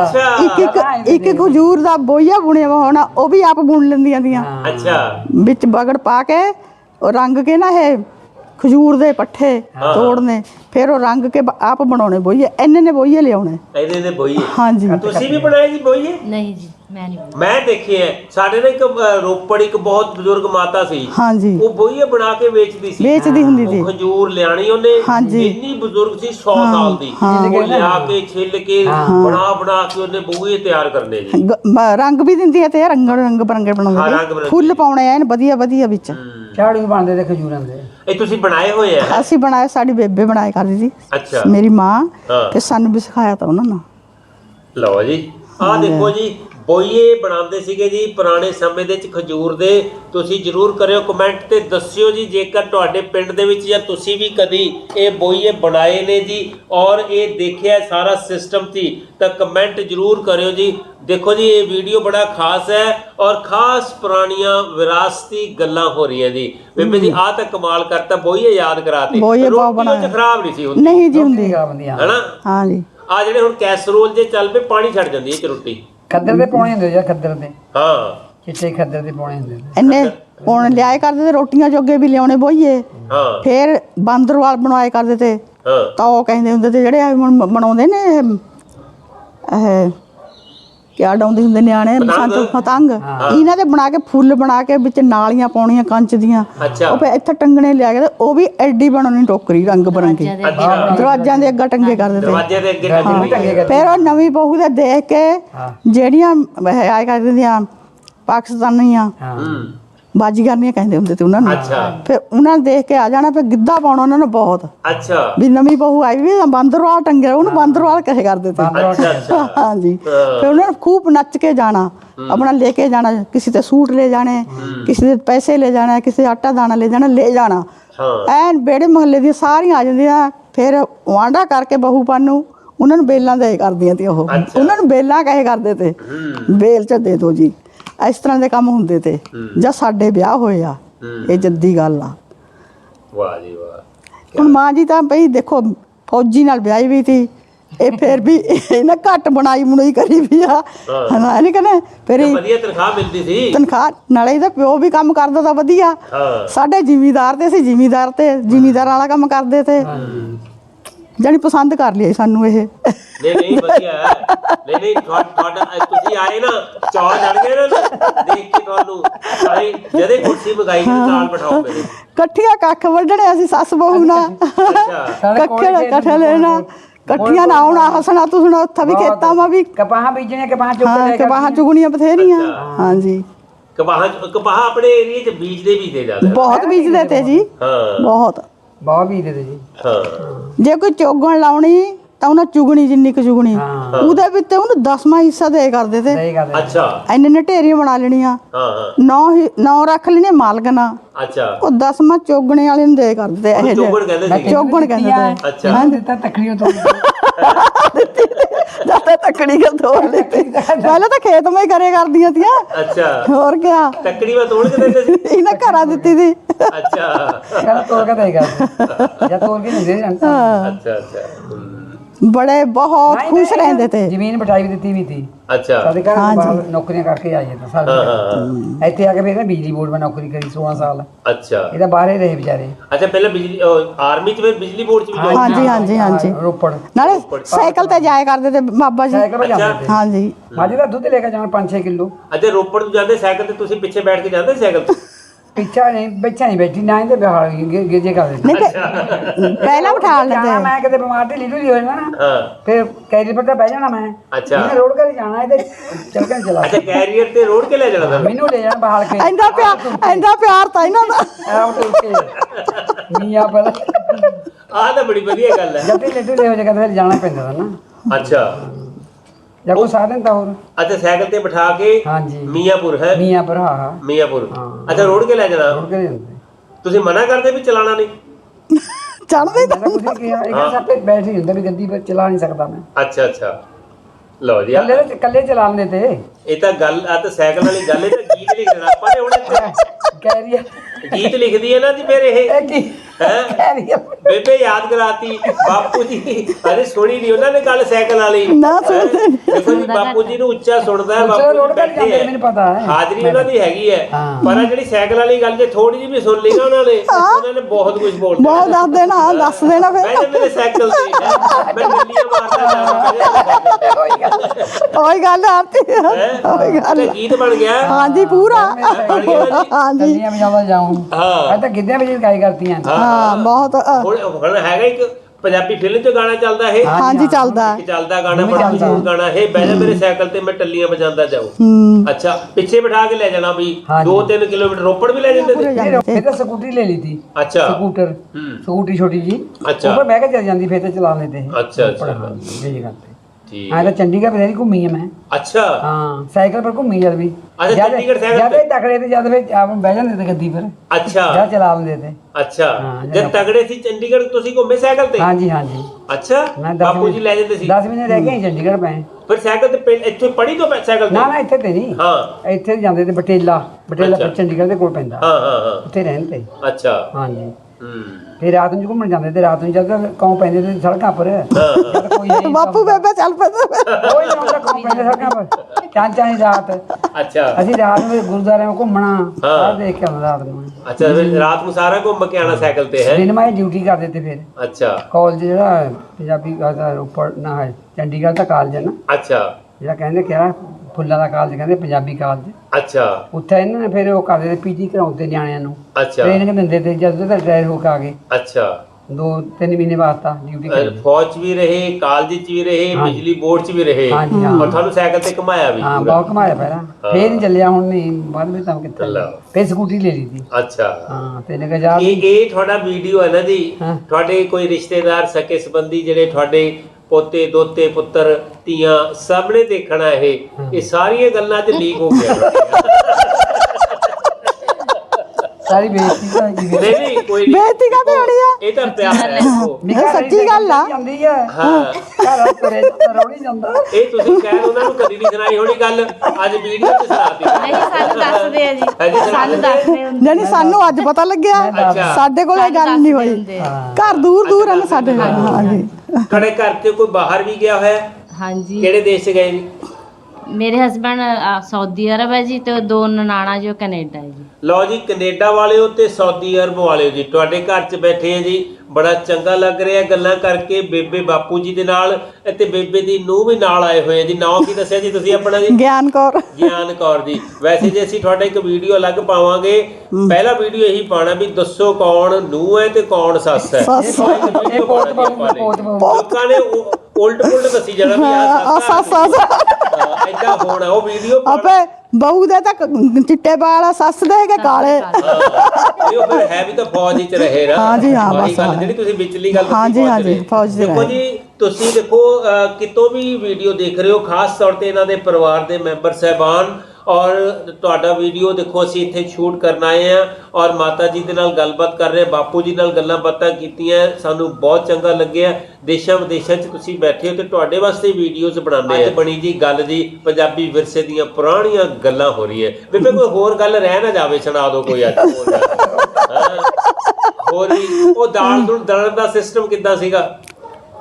Speaker 1: ਅੱਛਾ
Speaker 2: ਇੱਕ ਖਜੂਰ ਦਾ ਬੋਈਆ ਬੁਣਿਆ ਵਾ ਹੋਣਾ, ਉਹ ਵੀ ਆਪ ਬੁਣ ਲੈਂਦੀਆਂ ਦੀਆਂ
Speaker 1: ਅੱਛਾ
Speaker 2: ਵਿੱਚ ਬਗੜ ਪਾ ਕੇ ਉਹ ਰੰਗ ਕੇ ਨਾ ਇਹ ਖਜੂਰ ਦੇ ਪੱਠੇ ਤੋੜਨੇ, ਫਿਰ ਉਹ ਰੰਗ ਕੇ ਆਪ ਬਣਾਉਣੇ ਬੋਈਏ। ਇੰਨੇ ਨੇ ਬੋਈਏ ਲਿਆਉਣੇ।
Speaker 1: ਇਹਦੇ ਨੇ ਬੋਈਏ
Speaker 2: ਹਾਂਜੀ
Speaker 1: ਤੁਸੀਂ ਵੀ ਬਣਾਏ ਜੀ ਬੋਈਏ?
Speaker 3: ਨਹੀਂ ਜੀ ਮੈਂ ਨਹੀਂ ਬਣਾਈ।
Speaker 1: ਮੈਂ ਦੇਖੇ ਐ ਸਾਡੇ ਨਾਲ ਇੱਕ ਰੋਪੜ ਇੱਕ ਬਹੁਤ ਬਜ਼ੁਰਗ ਮਾਤਾ ਸੀ
Speaker 2: ਹਾਂਜੀ
Speaker 1: ਉਹ ਬੋਈਏ ਬਣਾ ਕੇ ਵੇਚਦੀ ਸੀ
Speaker 2: ਵੇਚਦੀ ਹੁੰਦੀ ਸੀ।
Speaker 1: ਉਹ ਖਜੂਰ ਲਿਆਣੀ ਉਹਨੇ
Speaker 2: ਹਾਂਜੀ।
Speaker 1: ਇੰਨੀ ਬਜ਼ੁਰਗ ਸੀ 100 ਸਾਲ ਦੀ ਉਹ ਲਿਆ ਕੇ ਛਿੱਲ ਕੇ ਬਣਾ ਕੇ ਉਹਨੇ ਬੋਈਏ ਤਿਆਰ ਕਰਨੇ ਜੀ
Speaker 2: ਰੰਗ ਵੀ ਦਿੰਦੀ ਹੈ ਤੇ ਰੰਗ ਬਰੰਗੇ
Speaker 1: ਹਾਂ, ਰੰਗ
Speaker 2: ਬਣਾਉਂਦੇ
Speaker 1: ਬਿਰੰਗੇ।
Speaker 2: ਫੁੱਲ ਪਾਉਣੇ ਐਨ ਵਧੀਆ ਵਧੀਆ ਵਿੱਚ।
Speaker 4: ਝਾੜੂ ਵੀ ਬਣਦੇ ਤੇ ਖਜੂਰਾਂ ਦੇ।
Speaker 1: ਇਹ ਤੁਸੀਂ ਬਣਾਏ ਹੋਏ ਆ?
Speaker 2: ਅਸੀਂ ਬਣਾਏ, ਸਾਡੀ ਬੇਬੇ ਬਣਾਏ ਕਰਦੀ ਸੀ
Speaker 1: ਅੱਛਾ
Speaker 2: ਮੇਰੀ ਮਾਂ,
Speaker 1: ਹਾਂ।
Speaker 2: ਤੇ ਸਾਨੂੰ ਵੀ ਸਿਖਾਇਆ ਤਾਂ ਉਹਨਾਂ ਨੇ।
Speaker 1: ਲਓ ਜੀ ਆਹ ਦੇਖੋ ਜੀ ਬੋਈਏ ਬਣਾਉਂਦੇ ਸੀਗੇ ਜੀ ਪੁਰਾਣੇ ਸਮੇਂ ਦੇ ਵਿੱਚ ਖਜੂਰ ਦੇ। ਤੁਸੀਂ ਜਰੂਰ ਕਰਿਓ ਕਮੈਂਟ ਤੇ ਦੱਸਿਓ ਜੀ ਜੇਕਰ ਤੁਹਾਡੇ ਪਿੰਡ ਦੇ ਵਿੱਚ ਜਾਂ ਤੁਸੀਂ ਵੀ ਕਦੀ ਇਹ ਬੋਈਏ ਬਣਾਏ ਨੇ ਜੀ ਔਰ ਇਹ ਦੇਖਿਆ ਸਾਰਾ ਸਿਸਟਮ ਸੀ ਤਾਂ ਕਮੈਂਟ ਜਰੂਰ ਕਰਿਓ ਜੀ। ਦੇਖੋ ਜੀ ਇਹ ਵੀਡੀਓ ਬੜਾ ਖਾਸ ਹੈ ਔਰ ਖਾਸ ਪੁਰਾਣੀਆਂ ਵਿਰਾਸਤੀ ਗੱਲਾਂ ਹੋ ਰਹੀਆਂ ਜੀ। ਬੇਬੇ ਜੀ ਆਹ ਤਾਂ ਕਮਾਲ ਕਰਤਾ ਬੋਈਏ ਯਾਦ ਕਰਾਤੇ।
Speaker 2: ਬੋਈਏ ਬਹੁਤ
Speaker 1: ਰੋਟੀ ਉਹ 'ਚ ਖਰਾਬ ਨਹੀਂ ਸੀ ਹੁੰਦੀ
Speaker 2: ਨਹੀਂ ਜੀ ਹੁੰਦੀ
Speaker 4: ਖਰਾਬ ਹੁੰਦੀਆਂ
Speaker 1: ਹੈਨਾ।
Speaker 2: ਹਾਂ ਜੀ
Speaker 1: ਆ ਜਿਹੜੇ ਹੁਣ ਕੈਸਰੋਲ ਜੇ ਚੱਲ ਪਏ ਪਾਣੀ ਛੱਡ ਜਾਂਦੀ ਹੈ ਚ ਰੋਟੀ।
Speaker 4: ਖੱਦਰ ਦੇ ਪਾਉਣੇ ਹੁੰਦੇ ਜਾਂ ਖੱਦਰ ਦੇ
Speaker 1: ਹਾਂ
Speaker 4: ਚਿੱਟੇ ਖੱਦਰ ਦੇ ਪਾਉਣੇ ਹੁੰਦੇ ਨੇ।
Speaker 2: ਇੰਨੇ ਹੁਣ ਲਿਆਏ ਕਰਦੇ ਤੇ ਰੋਟੀਆਂ ਜੋਗੇ ਵੀ ਲਿਆਉਣੇ ਬੋਈਏ।
Speaker 1: ਹਾਂ
Speaker 2: ਫਿਰ ਬਾਂਦਰਵਾਲ ਬਣਵਾਏ ਕਰਦੇ ਤੇ
Speaker 1: ਹਾਂ
Speaker 2: ਤਾਂ ਉਹ ਕਹਿੰਦੇ ਹੁੰਦੇ ਤੇ ਜਿਹੜੇ ਹੁਣ ਬਣਾਉਂਦੇ ਨੇ ਇਹ ਕਿਆ ਡਾਉਂਦੇ ਹੁੰਦੇ ਨਿਆਣੇ ਬਸੰਤ ਪਤੰਗ, ਇਹਨਾਂ ਦੇ ਬਣਾ ਕੇ ਫੁੱਲ ਬਣਾ ਕੇ ਵਿੱਚ ਨਾਲੀਆਂ ਪਾਉਣੀਆਂ ਕੰਚ ਦੀਆਂ।
Speaker 1: ਅੱਛਾ
Speaker 2: ਉਹ ਫਿਰ ਇੱਥੇ ਟੰਗਣੇ ਲਿਆ ਕੇ ਉਹ ਵੀ ਐਡੀ ਬਣਾਉਣੀ ਟੋਕਰੀ ਰੰਗ ਬਰੰਗੀ
Speaker 1: ਅੱਛਾ
Speaker 2: ਦਰਵਾਜ਼ਿਆਂ ਦੇ ਅੱਗੇ ਟੰਗੇ ਕਰਦੇ ਤੇ।
Speaker 1: ਦਰਵਾਜ਼ੇ ਦੇ ਅੱਗੇ ਟੰਗੇ
Speaker 2: ਫਿਰ ਉਹ ਨਵੀਂ ਬਹੂ ਦੇ ਦੇਖ ਕੇ ਜਿਹੜੀਆਂ ਆਏ ਕਰ ਦਿੰਦੀਆਂ ਪਾਕਿਸਤਾਨੀਆਂ ਬਾਜੀਗਰਨੀਆਂ ਕਹਿੰਦੇ ਹੁੰਦੇ ਤੇ ਉਹਨਾਂ ਨੂੰ।
Speaker 1: ਅੱਛਾ
Speaker 2: ਫਿਰ ਉਹਨਾਂ ਨੂੰ ਦੇਖ ਕੇ ਆ ਜਾਣਾ, ਫਿਰ ਗਿੱਧਾ ਪਾਉਣਾ ਉਹਨਾਂ ਨੂੰ ਬਹੁਤ
Speaker 1: ਅੱਛਾ
Speaker 2: ਵੀ ਨਵੀਂ ਬਹੂ ਆਈ ਵੀ ਬਾਂਦਰਵਾਲ ਟੰਗਿਆ, ਉਹਨੂੰ ਬਾਂਦਰਵਾਲ ਕਹੇ ਕਰਦੇ ਤੇ।
Speaker 1: ਅੱਛਾ ਅੱਛਾ
Speaker 2: ਹਾਂਜੀ ਫਿਰ ਉਹਨਾਂ ਨੂੰ ਖੂਬ ਨੱਚ ਕੇ ਜਾਣਾ, ਆਪਣਾ ਲੈ ਕੇ ਜਾਣਾ, ਕਿਸੇ ਤੇ ਸੂਟ ਲੈ ਜਾਣੇ, ਕਿਸੇ ਦੇ ਪੈਸੇ ਲੈ ਜਾਣਾ, ਕਿਸੇ ਦੇ ਆਟਾ ਦਾਣਾ ਲੈ ਜਾਣਾ
Speaker 1: ਹਾਂ
Speaker 2: ਐਨ ਬੇੜੇ ਮੁਹੱਲੇ ਦੀਆਂ ਸਾਰੀਆਂ ਆ ਜਾਂਦੀਆਂ। ਫਿਰ ਵਾਂਡਾ ਕਰਕੇ ਬਹੂ ਪਾਨ ਨੂੰ ਉਹਨਾਂ ਨੂੰ ਬੇਲਾਂ ਦੇ ਕਰਦੀਆਂ ਤੇ ਉਹ ਉਹਨਾਂ ਨੂੰ ਬੇਲਾਂ ਕਹੇ ਕਰਦੇ ਤੇ ਬੇਲ ਚ ਦੇ ਦਿਓ ਜੀ। ਇਸ ਤਰ੍ਹਾਂ ਦੇ ਕੰਮ ਹੁੰਦੇ ਤੇ ਜਾਂ ਸਾਡੇ ਵਿਆਹ ਹੋਏ ਆ। ਇਹ ਜੱਦੀ ਗੱਲ ਆ।
Speaker 1: ਵਾਹ ਜੀ ਵਾਹ।
Speaker 2: ਹੁਣ ਮਾਂ ਜੀ ਤਾਂ ਭਈ ਦੇਖੋ ਫੌਜੀ ਨਾਲ ਵਿਆਹੀ ਵੀ ਸੀ, ਇਹ ਫਿਰ ਵੀ ਇਹਨਾਂ ਘੱਟ ਬਣਾਈ ਕਰੀ ਵੀ ਆ ਹਾਂ ਨਹੀਂ ਕਹਿੰਦੇ। ਫਿਰ
Speaker 1: ਵਧੀਆ ਤਨਖਾਹ ਮਿਲਦੀ ਸੀ।
Speaker 2: ਤਨਖਾਹ ਨਾਲੇ ਇਹਦਾ ਪਿਓ ਵੀ ਕੰਮ ਕਰਦਾ ਤਾਂ ਵਧੀਆ। ਸਾਡੇ ਜ਼ਿਮੀਦਾਰ ਤੇ ਅਸੀਂ ਜ਼ਿਮੀਦਾਰ ਵਾਲਾ ਕੰਮ ਕਰਦੇ ਤੇ ਜਾਨੀ ਪਸੰਦ ਕਰ ਲਈ ਸਾਨੂੰ ਇਹ।
Speaker 1: ਨਹੀਂ ਵਧੀਆ ਨਹੀਂ ਤੁਹਾਡਾ ਤੁਸੀਂ ਆਏ ਨਾ ਚਾਹ ਚੜ ਗਏ ਨਾ ਦੇਖ ਕੇ ਤੁਹਾਨੂੰ ਸਾਰੇ ਜਦੇ ਕੁਰਸੀ ਮੰਗਾਈ ਨਾਲ ਬਿਠਾਉਂਦੇ ਨੇ
Speaker 2: ਇਕੱਠੀਆਂ ਕੱਖ ਵੱਢਣੇ ਅਸੀਂ ਸੱਸ ਬਹੂ ਨਾਲ ਕੱਠੇ ਲੈਣਾ ਇਕੱਠੀਆਂ ਨਾ ਆਉਣਾ ਹੱਸਣਾ ਤੁਸਣਾ ਉੱਥੇ ਵੀ ਖੇਤਾਂ ਮਾ ਵੀ
Speaker 4: ਕਪਾਹਾਂ ਬੀਜਣੇ ਕਪਾਹਾਂ
Speaker 2: ਚੁਗਣੀਆਂ ਬਥੇਰੀਆਂ। ਹਾਂਜੀ
Speaker 1: ਕਪਾਹ ਆਪਣੇ ਏਰੀਏ 'ਚ ਬੀਜਦੇ ਵੀ ਤੇ ਜ਼ਿਆਦਾ
Speaker 2: ਬਹੁਤ ਬੀਜਦੇ ਤੇ ਜੀ ਬਹੁਤ
Speaker 4: ਬੀਜਦੇ ਤੇ ਜੀ।
Speaker 2: ਜੇ ਕੋਈ ਚੁਗਣ ਲਾਉਣੀ ਤਾਂ ਉਹਨਾਂ ਚੁਗਣੀ ਜਿੰਨੀ ਕੁ ਚੁਗਣੀ ਉਹਦੇ ਵਿੱਚ ਉਹਨੂੰ 10ਵਾਂ ਹਿੱਸਾ ਦੇ ਕਰਦੇ ਤੇ।
Speaker 1: ਅੱਛਾ
Speaker 2: ਇੰਨੇ ਢੇਰੀਆਂ ਬਣਾ ਲੈਣੀਆਂ, 9 ਰੱਖ ਲੈਣੇ ਮਾਲਕਨਾ,
Speaker 1: ਅੱਛਾ
Speaker 2: ਉਹ 10ਵਾਂ ਚੋਗਣੇ ਵਾਲੇ ਨੂੰ ਦੇ ਕਰਦੇ ਇਹ
Speaker 1: ਚੋਗਣ ਕਹਿੰਦੇ ਸੀ।
Speaker 2: ਚੋਗਣ ਕਹਿੰਦੇ ਤੇ।
Speaker 1: ਅੱਛਾ
Speaker 4: ਦਿੱਤਾ ਤਕੜੀਆਂ ਤੋਂ
Speaker 2: ਜਿਆਦਾ ਤਕੜੀ ਕਰ ਤੋੜ ਦਿੱਤੀ। ਪਹਿਲਾਂ ਤਾਂ ਖੇਤ ਮੈਂ ਕਰੇ ਕਰਦੀਆਂ ਤੀਆਂ।
Speaker 1: ਅੱਛਾ
Speaker 2: ਹੋਰ ਕਿਆ
Speaker 1: ਤਕੜੀ ਮੈਂ ਤੋੜ ਕੇ ਦਿੰਦੇ ਸੀ।
Speaker 2: ਇਹਨਾਂ ਘਰਾਂ ਦਿੱਤੀ ਸੀ।
Speaker 1: ਅੱਛਾ
Speaker 4: ਤੋੜ ਕੇ ਦੇਗਾ ਜਾਂ ਤੋੜ ਕੇ ਨਹੀਂ ਦੇ ਜਾਂਦਾ।
Speaker 1: ਅੱਛਾ ਅੱਛਾ
Speaker 2: ਬੜੇ ਬਹੁਤ ਖੁਸ਼ ਰਹਿੰਦੇ ਤੇ।
Speaker 4: ਜ਼ਮੀਨ ਬਟਾਈ ਵੀ ਦਿੱਤੀ ਵੀ ਸੀ
Speaker 1: ਅੱਛਾ
Speaker 4: ਸਾਡੇ ਘਰ ਬਾਹਰ ਨੌਕਰੀਆਂ ਕਰਕੇ ਆਏ ਤਾਂ ਸਾਡੇ ਇੱਥੇ ਆ ਕੇ ਫਿਰ ਬਿਜਲੀ ਬੋਰਡ ਮੈਂ ਨੌਕਰੀ ਕਰੀ 16 ਸਾਲ।
Speaker 1: ਅੱਛਾ
Speaker 4: ਇਹਦਾ ਬਾਹਰੇ ਰਹੇ ਵਿਚਾਰੇ।
Speaker 1: ਅੱਛਾ ਪਹਿਲਾਂ ਬਿਜਲੀ ਆਰਮੀ ਚ ਫਿਰ ਬਿਜਲੀ ਬੋਰਡ ਚ ਵੀ job
Speaker 2: ਹਾਂਜੀ ਹਾਂਜੀ ਹਾਂਜੀ
Speaker 4: ਰੋਪੜ
Speaker 2: ਨਾਲੇ ਸਾਈਕਲ ਤੇ ਜਾਇਆ ਕਰਦੇ ਤੇ ਬਾਬਾ ਜੀ।
Speaker 4: ਸਾਈਕਲ 'ਤੇ ਜਾਂਦੇ ਤੇ।
Speaker 2: ਹਾਂਜੀ
Speaker 4: ਮਾਝੇ ਦਾ ਦੁੱਧ ਲੈ ਕੇ ਜਾਣਾ 5-6 ਕਿਲੋ।
Speaker 1: ਅੱਛਾ ਰੋਪੜ ਨੂੰ ਜਾਂਦੇ ਸਾਈਕਲ ਤੇ ਤੁਸੀਂ ਪਿੱਛੇ ਬੈਠ ਕੇ ਜਾਂਦੇ ਸਾਈਕਲ ਤੇ?
Speaker 4: ਪਿੱਛਾ ਨਹੀਂ ਬੈਠੀ ਨਾ ਇਹਦੇ ਬਿਹਾਰ ਗੇਜੇ ਕਰਦੇ
Speaker 2: ਨਹੀਂ ਪਹਿਲਾਂ ਬਿਠਾ ਲੈਂਦੇ।
Speaker 4: ਜਾਣਾ ਮੈਂ ਕਿਤੇ ਬਿਮਾਰ ਢਿੱਲੀ ਢੁੱਲੀ ਹੋ ਜਾਣਾ ਨਾ
Speaker 1: ਹਾਂ
Speaker 4: ਫਿਰ ਕੈਰੀਅਰ ਪਰ ਤਾਂ ਬਹਿ ਜਾਣਾ ਮੈਂ।
Speaker 1: ਅੱਛਾ
Speaker 4: ਇਹਨੇ ਰੋਡ ਕਰ ਜਾਣਾ ਇਹਦੇ ਚੱਲ ਕੇ ਚਲਾ
Speaker 1: ਅੱਛਾ ਕੈਰੀਅਰ ਤੇ ਰੋਡ ਕੇ ਲੈ ਜਾਣਾ ਤੁਹਾਨੂੰ?
Speaker 4: ਮੈਨੂੰ ਲੈ ਜਾਣਾ ਬਹਾਲ ਕੇ
Speaker 2: ਇੰਨਾ ਪਿਆਰ ਤਾਂ ਇਹਨਾਂ ਦਾ।
Speaker 4: ਆਪ ਤੋਂ ਕੇ ਮੀਆਂ ਪਰ
Speaker 1: ਆਹ ਤਾਂ ਬੜੀ ਵਧੀਆ ਗੱਲ ਹੈ।
Speaker 4: ਜਦ ਢਿੱਲੇ ਢੁੱਲੇ ਹੋ ਜਾਏਗਾ ਫਿਰ ਜਾਣਾ ਪੈਂਦਾ ਨਾ।
Speaker 1: ਅੱਛਾ
Speaker 4: ਜਾਂ ਕੋਈ ਸਾਧਨ ਤਾਂ ਹੋਰ।
Speaker 1: ਅੱਛਾ ਸਾਈਕਲ ਤੇ ਬਿਠਾ ਕੇ
Speaker 4: ਹਾਂਜੀ
Speaker 1: ਮੀਆਂਪੁਰ ਹੈ
Speaker 4: ਮੀਆਂ ਪਰ ਹਾਂ
Speaker 1: ਮੀਆਂਪੁਰ
Speaker 4: ਹਾਂ।
Speaker 1: ਅੱਛਾ ਰੋਡ ਕੇ ਲੈ ਜਾਣਾ?
Speaker 4: ਰੋਡ ਕੇ ਜਾਂਦੇ
Speaker 1: ਤੁਸੀਂ ਮਨਾ ਕਰਦੇ ਵੀ ਚਲਾਣਾ ਨਹੀਂ?
Speaker 2: ਚੜਦੇ
Speaker 4: ਮੈਂ ਤਾਂ ਕੁਝ ਨਹੀਂ ਕਿਹਾ ਇੱਕ ਸਾਪੇ ਬੈਠ ਹੀ ਹੁੰਦਾ ਵੀ ਗੱਡੀ ਪਰ ਚਲਾ ਨਹੀਂ ਸਕਦਾ ਮੈਂ।
Speaker 1: ਅੱਛਾ ਅੱਛਾ ਲਓ ਜੀ
Speaker 4: ਕੱਲੇ ਚਲਾ ਲੈਂਦੇ ਤੇ
Speaker 1: ਇਹ ਤਾਂ ਗੱਲ ਆ ਤਾਂ ਸਾਈਕਲ ਵਾਲੀ ਗੱਲ ਹੈ ਤਾਂ ਗੀਤ ਲਿਖ ਦੇਣਾ ਆਪਾਂ ਨੇ ਹੁਣ
Speaker 4: ਕੈਰੀਅਰ
Speaker 1: ਗੀਤ ਲਿਖਦੀ ਹੈ ਨਾ ਜੀ ਫਿਰ ਇਹ
Speaker 4: ਇਹ ਕੀ
Speaker 1: ਹੈ
Speaker 4: ਕੈਰੀਅਰ
Speaker 1: ਬੇਬੇ ਯਾਦ ਕਰਾਤੀ ਬਾਪੂ ਜੀ ਅਰੇ ਸੁਣੀ ਨਹੀਂ ਉਹਨਾਂ ਨੇ ਗੱਲ ਸਾਈਕਲ ਵਾਲੀ
Speaker 2: ਨਾ ਸੁਣਦੇ
Speaker 1: ਦੇਖੋ ਜੀ ਬਾਪੂ ਜੀ ਨੂੰ ਉੱਚਾ ਸੁਣਦਾ ਹੈ
Speaker 4: ਚਲੋ
Speaker 1: ਬਾਪੂ
Speaker 4: ਰੋਡ
Speaker 1: ਜੀ
Speaker 4: ਕਰ
Speaker 1: ਬੈਠੇ
Speaker 4: ਜਾਂਦੇ
Speaker 1: ਹੈ
Speaker 4: ਮੈਨੂੰ ਪਤਾ ਹੈ।
Speaker 1: ਹਾਜ਼ਰੀ ਉਹਨਾਂ ਦੀ ਹੈਗੀ ਹੈ
Speaker 4: ਹਾਂ।
Speaker 1: ਪਰ ਆਹ ਜਿਹੜੀ ਸਾਈਕਲ ਵਾਲੀ ਗੱਲ ਜੇ ਥੋੜੀ ਜਿਹੀ ਵੀ ਸੁਣ ਲਈ ਨਾ ਉਹਨਾਂ ਨੇ ਬਹੁਤ ਕੁਝ ਬੋਲ ਦਿੱਤਾ।
Speaker 2: ਬਹੁਤ ਦੱਸ ਦੇਣਾ ਦੱਸ ਦੇਣਾ ਫਿਰ।
Speaker 1: ਮੈਂ ਮੇਰੇ ਸਾਈਕਲ ਤੇ ਮੈਂ ਗੱਲੀਆਂ ਮਾਰਦਾ ਜਾਵਾਂ
Speaker 2: ਉਹੀ ਗੱਲ ਆਤੀ ਉਹੀ ਗੱਲ।
Speaker 1: ਗੀਤ ਬਣ ਗਿਆ
Speaker 2: ਹਾਂਜੀ ਪੂਰਾ
Speaker 1: ਬਣ ਗਿਆ ਜੀ
Speaker 2: ਹਾਂਜੀ
Speaker 4: ਗੱਡੀਆਂ ਵਜਾਉਂਦਾ ਜਾਉਂ
Speaker 1: ਹਾਂ
Speaker 4: ਮੈਂ ਤਾਂ ਗਿੱਧਿਆਂ ਵਿੱਚ ਗਾਈ ਕਰਤੀਆਂ
Speaker 2: ਹਾਂ ਬਹੁਤ
Speaker 1: ਹੁਣ ਹੈਗਾ ਇੱਕ ਪੰਜਾਬੀ ਫਿਲਮ 'ਚ ਗਾਣਾ ਚੱਲਦਾ ਇਹ
Speaker 2: ਹਾਂਜੀ ਚੱਲਦਾ।
Speaker 1: ਇੱਕ ਚੱਲਦਾ ਗਾਣਾ ਬੜਾ ਮਸ਼ਹੂਰ ਗਾਣਾ ਇਹ ਬਹਿ ਜਾ ਮੇਰੇ ਸਾਈਕਲ ਤੇ ਮੈਂ ਟੱਲੀਆਂ ਵਜਾਉਂਦਾ ਜਾਉ। ਅੱਛਾ ਪਿੱਛੇ ਬਿਠਾ ਕੇ ਲੈ ਜਾਣਾ ਵੀ 2-3 ਕਿਲੋਮੀਟਰ ਰੋਪੜ ਵੀ ਲੈ ਜਾਂਦੇ ਸੀ?
Speaker 4: ਫਿਰ ਤਾਂ ਸਕੂਟਰੀ ਲੈ ਲਈ ਥੀ
Speaker 1: ਅੱਛਾ
Speaker 4: ਸਕੂਟਰ ਸਕੂਟਰੀ ਛੋਟੀ ਜੀ
Speaker 1: ਅੱਛਾ
Speaker 4: ਉੱਪਰ ਬਹਿ ਕੇ ਚੱਲ ਜਾਂਦੀ ਫਿਰ ਤਾਂ ਚਲਾ ਲੈਂਦੇ
Speaker 1: ਅੱਛਾ ਅੱਛਾ
Speaker 4: ਇਹ ਗੱਲ ਤੇ
Speaker 1: ਠੀਕ
Speaker 4: ਹਾਂ ਤਾਂ ਚੰਡੀਗੜ੍ਹ ਬਥੇਰੀ ਘੁੰਮੀ ਆ ਮੈਂ।
Speaker 1: ਅੱਛਾ
Speaker 4: ਹਾਂ ਸਾਈਕਲ ਪਰ ਘੁੰਮੀ ਜਦ ਵੀ
Speaker 1: ਅੱਛਾ ਚੰਡੀਗੜ੍ਹ ਸਾਈਕਲ
Speaker 4: ਜਦ ਇਹ ਤਕੜੇ ਤੇ ਜਦ ਫਿਰ ਆਪ ਬਹਿ ਜਾਂਦੇ ਤੇ ਗੱਦੀ ਪਰ
Speaker 1: ਅੱਛਾ
Speaker 4: ਜਾਂ ਚਲਾ ਲੈਂਦੇ ਤੇ।
Speaker 1: ਅੱਛਾ
Speaker 4: ਹਾਂ,
Speaker 1: ਜਦ ਤਗੜੇ ਸੀ ਚੰਡੀਗੜ੍ਹ ਤੁਸੀਂ ਘੁੰਮੇ ਸਾਈਕਲ ਤੇ?
Speaker 4: ਹਾਂਜੀ ਹਾਂਜੀ
Speaker 1: ਅੱਛਾ
Speaker 4: ਮੈਂ
Speaker 1: ਬਾਪੂ ਜੀ ਲੈ ਜਾਂਦੇ ਸੀ?
Speaker 4: 10 ਮਹੀਨੇ ਰਹਿ ਗਏ ਚੰਡੀਗੜ੍ਹ ਪਏ।
Speaker 1: ਫਿਰ ਸਾਈਕਲ ਤੇ ਇੱਥੇ ਪੜੀ ਤੋਂ ਸਾਈਕਲ ਤੇ?
Speaker 4: ਨਾ ਨਾ ਇੱਥੇ ਤੇ ਨਹੀਂ
Speaker 1: ਹਾਂ
Speaker 4: ਇੱਥੇ ਜਾਂਦੇ ਤੇ ਬਟੇਲਾ
Speaker 1: ਅੱਛਾ।
Speaker 4: ਚੰਡੀਗੜ੍ਹ ਦੇ ਕੋਲ ਪੈਂਦਾ
Speaker 1: ਹਾਂ ਹਾਂ ਹਾਂ
Speaker 4: ਉੱਥੇ ਰਹਿੰਦੇ ਤੇ।
Speaker 1: ਅੱਛਾ
Speaker 4: ਹਾਂਜੀ
Speaker 1: ਹੂੰ
Speaker 4: ਫਿਰ ਰਾਤ ਨੂੰ ਘੁੰਮਣ ਜਾਂਦੇ ਤੇ ਰਾਤ ਨੂੰ ਜਦ ਕੌਂ ਪੈਂਦੇ ਤੇ ਸੜਕਾਂ ਪਰ ਜਦ ਕੋਈ ਨਹੀਂ
Speaker 2: ਬਾਪੂ ਬੇਬੇ ਚੱਲ ਪੈਂਦੇ।
Speaker 4: ਕੋਈ ਨਾ ਹੁੰਦਾ ਕੌਂ ਪੈਂਦੇ ਸੜਕਾਂ ਪਰ ਚਾਂਚਾਂ ਰਾਤ
Speaker 1: ਅੱਛਾ
Speaker 4: ਅਸੀਂ ਰਾਤ ਨੂੰ ਗੁਰਦੁਆਰਿਆਂ ਵਿੱਚ ਘੁੰਮਣਾ ਸਾਰ ਦੇਖ ਕੇ ਆਉਣਾ ਰਾਤ ਨੂੰ।
Speaker 1: ਅੱਛਾ ਫਿਰ ਰਾਤ ਨੂੰ ਸਾਰਾ ਘੁੰਮ ਕੇ ਆਣਾ ਸਾਈਕਲ ਤੇ ਹੈ?
Speaker 4: ਦਿਨ ਮੈਂ ਡਿਊਟੀ ਕਰਦੇ ਤੇ ਫਿਰ
Speaker 1: ਅੱਛਾ
Speaker 4: ਕਾਲਜ ਜਿਹੜਾ ਪੰਜਾਬੀ ਦਾ ਰੋਪੜ ਨਾ ਹੈ ਚੰਡੀਗੜ੍ਹ ਦਾ ਕਾਲਜ ਹੈ ਨਾ
Speaker 1: ਅੱਛਾ
Speaker 4: ਜਿਹੜਾ ਕਹਿੰਦੇ ਕਿਹੜਾ ਫੁੱਲਾਂ ਦਾ ਕਾਲਜ ਕਹਿੰਦੇ ਪੰਜਾਬੀ ਕਾਲਜ।
Speaker 1: ਅੱਛਾ
Speaker 4: ਉੱਥੇ ਇਹਨਾਂ ਨੇ ਫਿਰ ਉਹ ਕਰਦੇ ਤੇ ਪੀਟੀ ਕਰਾਉਂਦੇ ਨਿਆਣਿਆਂ ਨੂੰ
Speaker 1: ਅੱਛਾ
Speaker 4: ਟ੍ਰੇਨਿੰਗ ਦਿੰਦੇ ਤੇ ਜਦੋਂ ਤੱਕ ਰਿਟਾਇਰ ਹੋ ਕੇ ਆ ਗਏ
Speaker 1: ਅੱਛਾ
Speaker 4: 2-3 ਮਹੀਨੇ ਬਾਅਦ ਤਾਂ ਡਿਊਟੀ ਕਰਦੇ।
Speaker 1: ਫੌਜ 'ਚ ਵੀ ਰਹੇ ਕਾਲਜ 'ਚ ਵੀ ਰਹੇ ਬਿਜਲੀ ਬੋਰਡ 'ਚ ਵੀ ਰਹੇ
Speaker 4: ਹਾਂਜੀ, ਹਾਂ।
Speaker 1: ਔਰ ਤੁਹਾਨੂੰ ਸਾਈਕਲ ਤੇ ਘੁਮਾਇਆ ਵੀ
Speaker 4: ਹਾਂ
Speaker 1: ਪੂਰਾ?
Speaker 4: ਬਹੁਤ ਕਮਾਇਆ ਪਹਿਲਾਂ ਫੇਰ ਨਹੀਂ ਚੱਲਿਆ ਹੁਣ ਨਹੀਂ ਬਾਅਦ ਵਿੱਚ ਤਾਂ ਕਿੱਥੇ
Speaker 1: ਚੱਲਾ।
Speaker 4: ਫੇਰ ਸਕੂਟੀ ਲੈ ਲਈ ਸੀ।
Speaker 1: ਅੱਛਾ
Speaker 4: ਹਾਂ 3000
Speaker 1: ਇਹ ਤੁਹਾਡਾ ਵੀਡੀਓ ਹੈ ਨਾ ਜੀ
Speaker 4: ਹਾਂ।
Speaker 1: ਤੁਹਾਡੇ ਕੋਈ ਰਿਸ਼ਤੇਦਾਰ ਸਕੇ ਸੰਬੰਧੀ ਜਿਹੜੇ ਤੁਹਾਡੇ ਪੋਤੇ ਦੋਤੇ ਪੁੱਤਰ ਧੀਆਂ ਸਾਹਮਣੇ ਦੇਖਣਾ ਇਹ ਸਾਰੀਆਂ ਗੱਲਾਂ 'ਚ ਲੀਕ ਹੋ ਗਿਆ
Speaker 4: ਸਾਰੀ ਬੇਇੱਜ਼ਤੀ ਤਾਂ ਹੈਗੀ ਵੀ।
Speaker 1: ਨਹੀਂ ਨਹੀਂ ਕੋਈ ਨਹੀਂ
Speaker 2: ਬੇਇੱਜ਼ਤੀ ਕਾਹਤੇ ਹੋਣੀ ਆ?
Speaker 1: ਇਹ ਤਾਂ ਪਿਆਰ ਹੈ ਦੇਖੋ
Speaker 4: ਨਿੱਕਾ
Speaker 2: ਸੱਚੀ ਗੱਲ ਆ।
Speaker 4: ਜਾਂਦੀ ਹੈ
Speaker 1: ਹਾਂ
Speaker 4: ਘਰ ਤੁਰੇ ਰੋੜੀ ਜਾਂਦਾ।
Speaker 1: ਇਹ ਤੁਸੀਂ ਕਹਿ ਉਹਨਾਂ ਨੂੰ ਕਦੀ ਨਹੀਂ ਸੁਣਾਈ ਹੋਣੀ ਗੱਲ ਅੱਜ ਵੀਡੀਓ 'ਚ ਸੁਣਾਤੀ
Speaker 3: ਨਹੀਂ ਸਾਨੂੰ ਦੱਸਦੇ ਆ ਜੀ
Speaker 1: ਹਾਂਜੀ,
Speaker 3: ਸਾਨੂੰ ਦੱਸਦੇ ਹੁੰਦੇ
Speaker 2: ਨਹੀਂ ਨਹੀਂ ਸਾਨੂੰ ਅੱਜ ਪਤਾ ਲੱਗਿਆ
Speaker 1: ਅੱਛਾ।
Speaker 2: ਸਾਡੇ ਕੋਲ ਇਹ ਗੱਲ ਨਹੀਂ ਹੋਈ।
Speaker 3: ਹੁੰਦੇ ਆ।
Speaker 2: ਘਰ ਦੂਰ ਦੂਰ ਹਨ ਸਾਡੇ। ਹਾਂਜੀ
Speaker 1: ਤੁਹਾਡੇ ਘਰ 'ਚ ਕੋਈ ਬਾਹਰ ਵੀ ਗਿਆ ਹੋਇਆ ਹੈ?
Speaker 3: ਹਾਂਜੀ
Speaker 1: ਕਿਹੜੇ ਦੇਸ਼ 'ਚ ਗਏ ਜੀ?
Speaker 3: ਮੇਰੇ ਹਸਬੰਡ ਸਾਊਦੀ ਅਰਬ ਹੈ ਜੀ ਤੇ ਦੋ ਨਨਾਣਾ ਜੋ ਕੈਨੇਡਾ ਹੈ ਜੀ।
Speaker 1: ਲਓ ਜੀ ਕੈਨੇਡਾ ਵਾਲਿਓ ਤੇ ਸਾਊਦੀ ਅਰਬ ਵਾਲਿਓ ਜੀ ਤੁਹਾਡੇ ਘਰ 'ਚ ਬੈਠੇ ਆ ਜੀ ਬੜਾ ਚੰਗਾ ਲੱਗ ਰਿਹਾ ਗੱਲਾਂ ਕਰਕੇ ਬੇਬੇ ਬਾਪੂ ਜੀ ਦੇ ਨਾਲ ਤੇ ਬੇਬੇ ਦੀ ਨੂੰਹ ਵੀ ਨਾਲ ਆਏ ਹੋਏ ਆ ਜੀ। ਨਾਮ ਕੀ ਦੱਸਿਆ ਜੀ ਤੁਸੀਂ ਆਪਣਾ ਜੀ?
Speaker 2: ਗਿਆਨ ਕੌਰ।
Speaker 1: ਗਿਆਨ ਕੌਰ ਜੀ। ਵੈਸੇ ਜੇ ਅਸੀਂ ਤੁਹਾਡਾ ਇੱਕ ਵੀਡੀਓ ਅਲੱਗ ਪਾਵਾਂਗੇ ਪਹਿਲਾ ਵੀਡੀਓ ਇਹੀ ਪਾਣਾ ਵੀ ਦੱਸੋ ਕੌਣ ਨੂੰਹ ਹੈ ਤੇ ਕੌਣ ਸੱਸ ਹੈ।
Speaker 2: ਸੱਸ।
Speaker 4: ਇਹ ਪੋਤ ਬਹੁ
Speaker 1: ਲੋਕਾਂ ਨੇ ਉਲਟ ਪੁਲਟ ਦੱਸੀ ਜਾਣਾ ਵੀ
Speaker 2: ਆ
Speaker 1: ਆ
Speaker 2: ਸੱਸ
Speaker 1: ਏਦਾਂ ਹੋਣਾ ਉਹ ਵੀਡੀਓ
Speaker 2: ਆਪੇ ਬਹੂ ਦੇ ਤਾਂ ਚਿੱਟੇ ਵਾਲ ਸੱਸ ਦੇ ਕੇ ਕਾਲੇ।
Speaker 1: ਇਹ ਉਹ ਫਿਰ ਹੈ ਵੀ ਤਾਂ ਫੌਜ ਵਿੱਚ ਰਹੇ ਨਾ।
Speaker 2: ਹਾਂਜੀ, ਹਾਂ,
Speaker 1: ਉਹੀ
Speaker 2: ਬਸ
Speaker 1: ਗੱਲ
Speaker 2: ਹਾਂ।
Speaker 1: ਜਿਹੜੀ ਤੁਸੀਂ ਵਿਚਲੀ ਗੱਲ ਦੱਸੀ
Speaker 2: ਹਾਂਜੀ,
Speaker 1: ਫੌਜ
Speaker 2: ਹਾਂਜੀ,
Speaker 1: ਦੇ।
Speaker 2: ਫੌਜ ਦੇ
Speaker 1: ਦੇਖੋ
Speaker 2: ਰਹੇ।
Speaker 1: ਜੀ ਤੁਸੀਂ ਦੇਖੋ ਕਿਤੋਂ ਵੀ ਵੀਡੀਓ ਦੇਖ ਰਹੇ ਹੋ ਖਾਸ ਤੌਰ ਤੇ ਇਹਨਾਂ ਦੇ ਪਰਿਵਾਰ ਦੇ ਮੈਂਬਰ ਸਹਿਬਾਨ ਔਰ ਤੁਹਾਡਾ ਵੀਡੀਓ ਦੇਖੋ ਅਸੀਂ ਇੱਥੇ ਸ਼ੂਟ ਕਰਨ ਆਏ ਆ ਔਰ ਮਾਤਾ ਜੀ ਦੇ ਨਾਲ ਗੱਲਬਾਤ ਕਰ ਰਹੇ ਬਾਪੂ ਜੀ ਨਾਲ ਗੱਲਾਂ ਬਾਤਾਂ ਕੀਤੀਆਂ ਸਾਨੂੰ ਬਹੁਤ ਚੰਗਾ ਲੱਗਿਆ। ਦੇਸ਼ਾਂ ਵਿਦੇਸ਼ਾਂ 'ਚ ਤੁਸੀਂ ਬੈਠੇ ਹੋ ਤੇ ਤੁਹਾਡੇ ਵਾਸਤੇ ਵੀਡੀਓਜ਼ ਬਣਾਉਂਦੇ ਆ। ਬਣੀ ਜੀ ਗੱਲ ਜੀ ਪੰਜਾਬੀ ਵਿਰਸੇ ਦੀਆਂ ਪੁਰਾਣੀਆਂ ਗੱਲਾਂ ਹੋ ਰਹੀਆਂ ਬੇਬੇ ਕੋਈ ਹੋਰ ਗੱਲ ਰਹਿ ਨਾ ਜਾਵੇ ਸੁਣਾ ਦਿਓ ਕੋਈ ਅੱਜ ਹੋਰ ਗੱਲ। ਹੋਰ ਵੀ ਉਹ ਦਾਲ ਦਲਣ ਦਾ ਸਿਸਟਮ ਕਿੱਦਾਂ ਸੀਗਾ?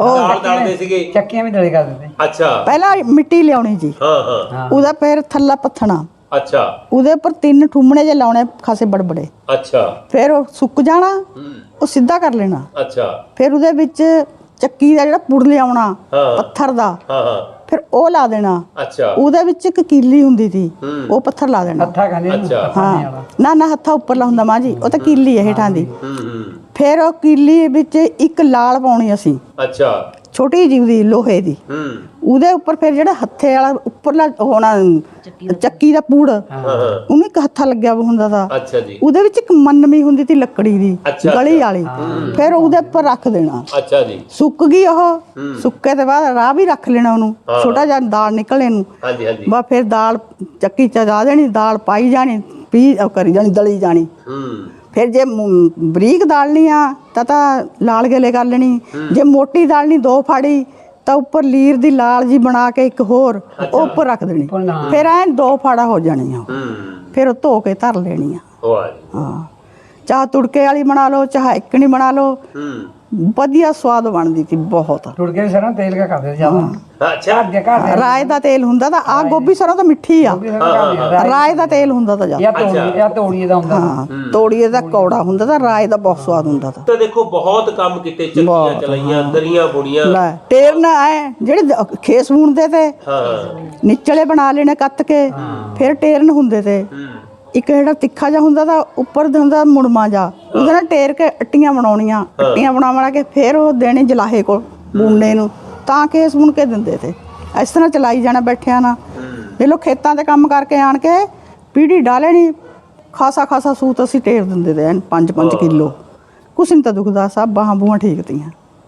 Speaker 1: ਦਾਲ ਦਲਦੇ ਸੀਗੇ,
Speaker 4: ਚੱਕੀਆਂ ਵੀ ਦਲੇ ਕਰ ਦਿੰਦੇ।
Speaker 1: ਅੱਛਾ
Speaker 2: ਪਹਿਲਾਂ ਮਿੱਟੀ ਲਿਆਉਣੀ ਜੀ,
Speaker 1: ਹਾਂ
Speaker 2: ਉਹਦਾ ਫਿਰ ਥੱਲਾ ਪੱਥਣਾ,
Speaker 1: ਅੱਛਾ
Speaker 2: ਉਹਦੇ ਉੱਪਰ 3 ਠੁੰਮਣੇ ਜੇ ਲਾਉਣੇ ਖਾਸੇ ਬੜਬੜੇ,
Speaker 1: ਅੱਛਾ
Speaker 2: ਫਿਰ ਉਹ ਸੁੱਕ ਜਾਣਾ, ਉਹ ਸਿੱਧਾ ਕਰ ਲੈਣਾ।
Speaker 1: ਅੱਛਾ
Speaker 2: ਫਿਰ ਉਹਦੇ ਵਿੱਚ ਚੱਕੀ ਦਾ ਜਿਹੜਾ ਪੁੜ ਲਿਆਉਣਾ
Speaker 1: ਹਾਂ।
Speaker 2: ਪੱਥਰ ਦਾ,
Speaker 1: ਹਾਂ
Speaker 2: ਫਿਰ ਉਹ ਲਾ ਦੇਣਾ।
Speaker 1: ਅੱਛਾ
Speaker 2: ਉਹਦੇ ਵਿੱਚ ਇੱਕ ਕੀਲੀ ਹੁੰਦੀ ਸੀ, ਉਹ ਪੱਥਰ ਲਾ ਦੇਣਾ।
Speaker 4: ਹੱਥਾਂ ਖਾਂਦੇ ਨੂੰ
Speaker 1: ਅੱਛਾ।
Speaker 2: ਹਾਂ ਨਾ ਹੱਥਾਂ ਉੱਪਰਲਾ ਹੁੰਦਾ ਮਾਂ ਜੀ, ਉਹ ਤਾਂ ਕੀਲੀ ਹੈ ਹੇਠਾਂ ਦੀ।
Speaker 1: ਹੂੰ
Speaker 2: ਫਿਰ ਉਹ ਕੀਲੀ ਵਿੱਚ ਇੱਕ ਲਾਲ ਪਾਉਣੀ ਅਸੀਂ,
Speaker 1: ਅੱਛਾ
Speaker 2: ਛੋਟੀ ਜਿਹੀ ਦੀ ਲੋਹੇ ਦੀ, ਉਹਦੇ ਉੱਪਰ ਫਿਰ ਜਿਹੜਾ ਹੱਥੇ ਵਾਲਾ ਉੱਪਰਲਾ ਹੋਣਾ ਚੱਕੀ ਦਾ ਪੂੜ, ਉਹਨੂੰ ਇੱਕ ਹੱਥਾ ਲੱਗਿਆ ਵਾ ਹੁੰਦਾ ਤਾ।
Speaker 1: ਅੱਛਾ ਜੀ
Speaker 2: ਉਹਦੇ ਵਿੱਚ ਇੱਕ ਮੰਨਮੀ ਹੁੰਦੀ ਤੀ ਲੱਕੜੀ ਦੀ,
Speaker 1: ਅੱਛਾ,
Speaker 2: ਗਲੀ ਵਾਲੀ, ਫਿਰ ਉਹਦੇ ਉੱਪਰ ਰੱਖ ਦੇਣਾ।
Speaker 1: ਅੱਛਾ ਜੀ
Speaker 2: ਸੁੱਕ ਗਈ ਉਹ, ਸੁੱਕੇ ਤੋਂ ਬਾਅਦ ਰਾਹ ਵੀ ਰੱਖ ਲੈਣਾ ਉਹਨੂੰ, ਛੋਟਾ ਜਿਹਾ ਦਾਲ ਨਿਕਲੇ ਨੂੰ,
Speaker 1: ਹਾਂਜੀ ਹਾਂਜੀ
Speaker 2: ਬਸ ਫਿਰ ਦਾਲ ਚੱਕੀ ਚ ਲਾ ਦੇਣੀ, ਦਾਲ ਪਾਈ ਜਾਣੀ, ਕਰੀ ਜਾਣੀ, ਦਲੀ ਜਾਣੀ। ਫਿਰ ਜੇ ਬਰੀਕ ਦਾਲਣੀ ਆ ਤਾਂ ਲਾਲ ਗਲੇ ਕਰ ਲੈਣੀ, ਜੇ ਮੋਟੀ ਦਾਲਣੀ 2 ਫਾੜੀ ਤਾਂ ਉੱਪਰ ਲੀਰ ਦੀ ਲਾਲ ਜੀ ਬਣਾ ਕੇ ਇੱਕ ਹੋਰ ਉਹ ਉੱਪਰ ਰੱਖ ਦੇਣੀ, ਫਿਰ ਐਂ 2 ਫਾੜਾ ਹੋ ਜਾਣੀਆਂ। ਫਿਰ ਉਹ ਧੋ ਕੇ ਧਰ ਲੈਣੀ ਆ।
Speaker 1: ਵਾਹ ਜੀ
Speaker 2: ਹਾਂ, ਚਾਹ ਤੁੜਕੇ ਵਾਲੀ ਬਣਾ ਲਓ, ਚਾਹ ਇੱਕਣੀ ਬਣਾ ਲਓ, ਵਧੀਆ ਸਵਾਦ ਬਣਦੀ ਸੀ ਬਹੁਤ।
Speaker 4: ਤੁੜਕੇ ਸਰੋਂ ਤੇਲ ਕਾ ਕਰਦੇ ਜ਼ਿਆਦਾ।
Speaker 1: ਅੱਛਾ
Speaker 4: ਘਰ
Speaker 2: ਰਾਏ ਦਾ ਤੇਲ ਹੁੰਦਾ ਤਾਂ ਆ ਗੋਭੀ ਸਰੋਂ ਤਾਂ ਮਿੱਠੀ ਆ, ਰਾਏ ਦਾ ਤੇਲ ਹੁੰਦਾ ਤਾਂ ਜ਼ਿਆਦਾ।
Speaker 4: ਜਾਂ ਤੋੜੀਏ ਦਾ ਹੁੰਦਾ।
Speaker 2: ਹਾਂ, ਤੋੜੀਏ ਦਾ ਕੌੜਾ ਹੁੰਦਾ ਤਾਂ ਰਾਏ ਦਾ ਬਹੁਤ ਸਵਾਦ ਹੁੰਦਾ ਤਾਂ।
Speaker 1: ਤਾਂ ਦੇਖੋ ਬਹੁਤ ਕੰਮ ਕੀਤੇ, ਚੱਕੀਆਂ ਚਲਾਈਆਂ, ਦਰੀਆਂ ਬੁਣੀਆਂ।
Speaker 2: ਲੈ ਟੇਰ ਨਾ ਆਏ ਜਿਹੜੇ ਖੇਸ ਬੁਣਦੇ ਤੇ,
Speaker 1: ਹਾਂ
Speaker 2: ਨਿਚਲੇ ਬਣਾ ਲੈਣੇ ਕੱਤ ਕੇ, ਫਿਰ ਟੇਰਨ ਹੁੰਦੇ ਤੇ। ਇੱਕ ਜਿਹੜਾ ਤਿੱਖਾ ਜਿਹਾ ਹੁੰਦਾ ਤਾਂ ਉੱਪਰ ਦੇ ਹੁੰਦਾ ਮੁੜਮਾ ਜਾ, ਉਹਦੇ ਨਾਲ ਟੇਰ ਕੇ ਅੱਟੀਆਂ ਬਣਾਉਣੀਆਂ, ਅੱਟੀਆਂ ਬਣਾ ਕੇ ਫਿਰ ਉਹ ਦੇਣੇ ਜਲਾਹੇ ਕੋਲ ਬੁਣਨੇ ਨੂੰ, ਤਾਂ ਕੇਸ ਬੁਣ ਕੇ ਦਿੰਦੇ ਤੇ। ਇਸ ਤਰ੍ਹਾਂ ਚਲਾਈ ਜਾਣਾ ਬੈਠਿਆਂ ਨਾ। ਇਹ ਲੋ ਖੇਤਾਂ ਤੇ ਕੰਮ ਕਰਕੇ ਆਣ ਕੇ ਪੀੜੀ ਡਾਲਣੀ, ਖਾਸਾ ਸੂਤ ਅਸੀਂ ਟੇਰ ਦਿੰਦੇ ਤੇ 5-5 ਕਿਲੋ, ਕੁਛ ਨਹੀਂ ਤਾਂ ਦੁਖਦਾ, ਸਭ ਬਾਹਾਂ ਬੂਹਾਂ ਠੀਕ ਤੀਆਂ।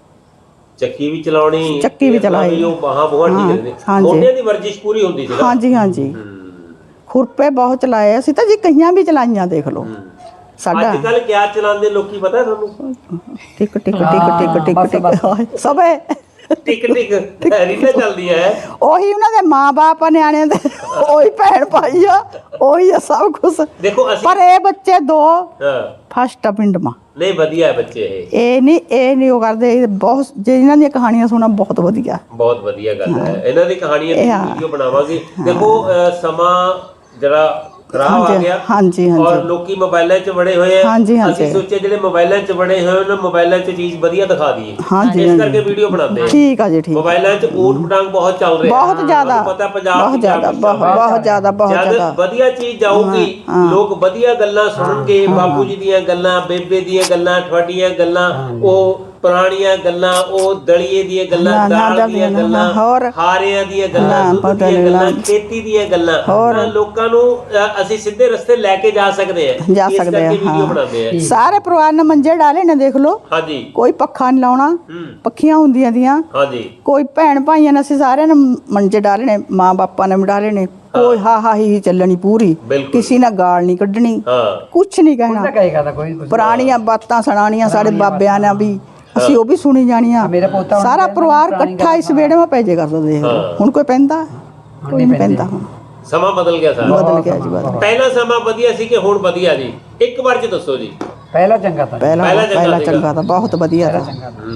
Speaker 1: ਚੱਕੀ ਵੀ ਚਲਾਉਣੀ,
Speaker 2: ਚੱਕੀ ਵੀ ਚਲਾਈ,
Speaker 1: ਉਹ ਬਾਹਾਂ ਬੂਹਾਂ ਠੀਕ ਨੇ, ਮੋਢਿਆਂ ਦੀ ਵਰਜਿਸ਼ ਪੂਰੀ ਹੁੰਦੀ ਸੀ।
Speaker 2: ਹਾਂਜੀ ਖੁਰਪੇ ਬਹੁਤ ਚਲਾਏ ਅਸੀਂ ਤਾਂ ਜੀ, ਕਈਆਂ ਵੀ ਚਲਾਈਆਂ ਦੇਖ ਲਓ। ਸਾਡਾ
Speaker 1: ਅੱਜ ਕੱਲ ਕਿਆ ਚਲਾਉਂਦੇ ਲੋਕੀ ਪਤਾ ਤੁਹਾਨੂੰ?
Speaker 2: ਟਿਕ ਟਿਕ ਟਿਕ ਟਿਕ ਟਿਕ ਸਭੇ
Speaker 1: ਟਿਕ ਰੀਲਾਂ ਚੱਲਦੀਆਂ ਹੈ।
Speaker 2: ਉਹੀ ਉਹਨਾਂ ਦੇ ਮਾਂ-ਬਾਪ ਨਿਆਣਿਆਂ ਦੇ, ਉਹੀ ਭੈਣ ਭਾਈ ਆ, ਉਹੀ ਆ ਸਭ ਕੁਛ।
Speaker 1: ਦੇਖੋ ਅਸੀਂ
Speaker 2: ਪਰ ਇਹ ਬੱਚੇ 2
Speaker 1: ਹਾਂ
Speaker 2: ਫਸਟ ਆ ਪਿੰਡ ਮਾ।
Speaker 1: ਨਹੀਂ ਵਧੀਆ ਹੈ ਬੱਚੇ,
Speaker 2: ਇਹ ਨਹੀਂ ਉਹ ਕਰਦੇ, ਇਹ ਬਹੁਤ ਜੇ ਇਹਨਾਂ ਦੀਆਂ ਕਹਾਣੀਆਂ ਸੁਣਾ ਬਹੁਤ ਵਧੀਆ
Speaker 1: ਗੱਲ ਹੈ। ਇਹਨਾਂ ਦੀ ਕਹਾਣੀਆਂ ਦੀ ਵੀਡੀਓ ਬਣਾਵਾਂਗੇ। ਦੇਖੋ ਸਮਾਂ ਜਰਾ ਖਰਾਬ ਆ ਗਿਆ, ਔਰ ਲੋਕੀ ਮੋਬਾਈਲਾਂ 'ਚ ਵੜੇ ਹੋਏ ਆ। ਅਸੀਂ ਸੋਚਿਆ ਜਿਹੜੇ ਮੋਬਾਈਲਾਂ 'ਚ ਵੜੇ ਹੋਏ ਉਹਨਾਂ ਮੋਬਾਈਲਾਂ 'ਚ ਚੀਜ਼ ਵਧੀਆ ਦਿਖਾ ਦਈਏ, ਇਸ ਕਰਕੇ ਵੀਡੀਓ ਬਣਾਉਂਦੇ ਆ।
Speaker 2: ਠੀਕ ਆ ਜੀ, ਠੀਕ।
Speaker 1: ਮੋਬਾਈਲਾਂ 'ਚ ਊਟ ਪਟਾਂਗ ਬਹੁਤ ਚੱਲ ਰਿਹਾ,
Speaker 2: ਬਹੁਤ ਜ਼ਿਆਦਾ,
Speaker 1: ਪਤਾ ਪੰਜਾਬ
Speaker 2: ਬਹੁਤ ਜ਼ਿਆਦਾ।
Speaker 1: ਜਦ ਵਧੀਆ ਚੀਜ਼ ਜਾਊਗੀ, ਲੋਕ ਵਧੀਆ ਗੱਲਾਂ ਸੁਣਨਗੇ, ਬਾਪੂ ਜੀ ਦੀਆਂ ਗੱਲਾਂ, ਬੇਬੇ ਦੀਆਂ ਗੱਲਾਂ, ਤੁਹਾਡੀਆਂ ਗੱਲਾਂ, ਉਹ ਪੁਰਾਣੀਆਂ ਗੱਲਾਂ, ਉਹ ਦਲੀਏ ਦੀਆਂ ਗੱਲਾਂ, ਦਾਲ ਦੀਆਂ ਗੱਲਾਂ, ਹਾਰਿਆਂ ਦੀਆਂ ਗੱਲਾਂ, ਦੁੱਧ ਦੀਆਂ ਗੱਲਾਂ, ਖੇਤੀ ਦੀਆਂ ਗੱਲਾਂ, ਲੋਕਾਂ ਨੂੰ ਅਸੀਂ ਸਿੱਧੇ ਰਸਤੇ ਲੈ ਕੇ ਜਾ ਸਕਦੇ ਆ। ਇਸ ਕਰਕੇ ਵੀਡੀਓ ਬਣਾਉਂਦੇ ਆ।
Speaker 2: ਸਾਰੇ ਪਰਿਵਾਰ ਨੇ ਮੰਜੇ ਡਾਲੇ ਨੇ, ਦੇਖ ਲਓ।
Speaker 1: ਹਾਂਜੀ,
Speaker 2: ਕੋਈ ਪੱਖਾ ਨਹੀਂ ਲਾਉਣਾ, ਪੱਖੀਆਂ ਹੁੰਦੀਆਂ ਦੀਆਂ।
Speaker 1: ਹਾਂਜੀ,
Speaker 2: ਕੋਈ ਭੈਣ ਭਾਈਆਂ ਨੇ ਅਸੀਂ ਸਾਰਿਆਂ ਨੇ ਮੰਜੇ ਡਾਲੇ ਨੇ, ਮਾਂ ਬਾਪਾਂ ਨੇ ਡਾਲੇ ਨੇ। ਕੋਈ ਹਾ ਹੀ ਚੱਲਣੀ ਪੂਰੀ, ਕਿਸੇ ਨੇ ਗਾਲ ਨਹੀਂ ਕੱਢਣੀ, ਕੁਛ ਨਹੀਂ ਕਹਿਣਾ। ਪੁਰਾਣੀਆਂ ਬਾਤਾਂ ਸੁਣਾਣੀਆਂ ਸਾਡੇ ਬਾਬਿਆਂ ਨੇ ਵੀ, ਅਸੀਂ ਉਹ ਵੀ ਸੁਣੀ ਜਾਣੀਆਂ। ਸਾਰਾ ਪਰਿਵਾਰ ਇਕੱਠਾ ਇਸ ਵਿਹੜੇ ਵਿੱਚ ਪੈ ਜੇ ਕਰਦਾ। ਦੇਖ ਲਓ ਹੁਣ ਕੋਈ ਪੈਂਦਾ, ਕੋਈ ਨਹੀਂ ਪੈਂਦਾ। ਹੁਣ
Speaker 1: ਸਮਾਂ ਬਦਲ ਗਿਆ ਸਾਰਾ,
Speaker 2: ਬਦਲ ਗਿਆ ਜੀ, ਬਦਲ।
Speaker 1: ਪਹਿਲਾ ਸਮਾਂ ਵਧੀਆ ਸੀ ਕਿ ਹੁਣ ਵਧੀਆ ਜੀ? ਇੱਕ ਵਾਰ ਚ ਦੱਸੋ ਜੀ।
Speaker 4: ਪਹਿਲਾ ਚੰਗਾ ਤਾਂ,
Speaker 2: ਪਹਿਲਾ ਚੰਗਾ ਤਾਂ, ਬਹੁਤ ਵਧੀਆ ਤਾਂ।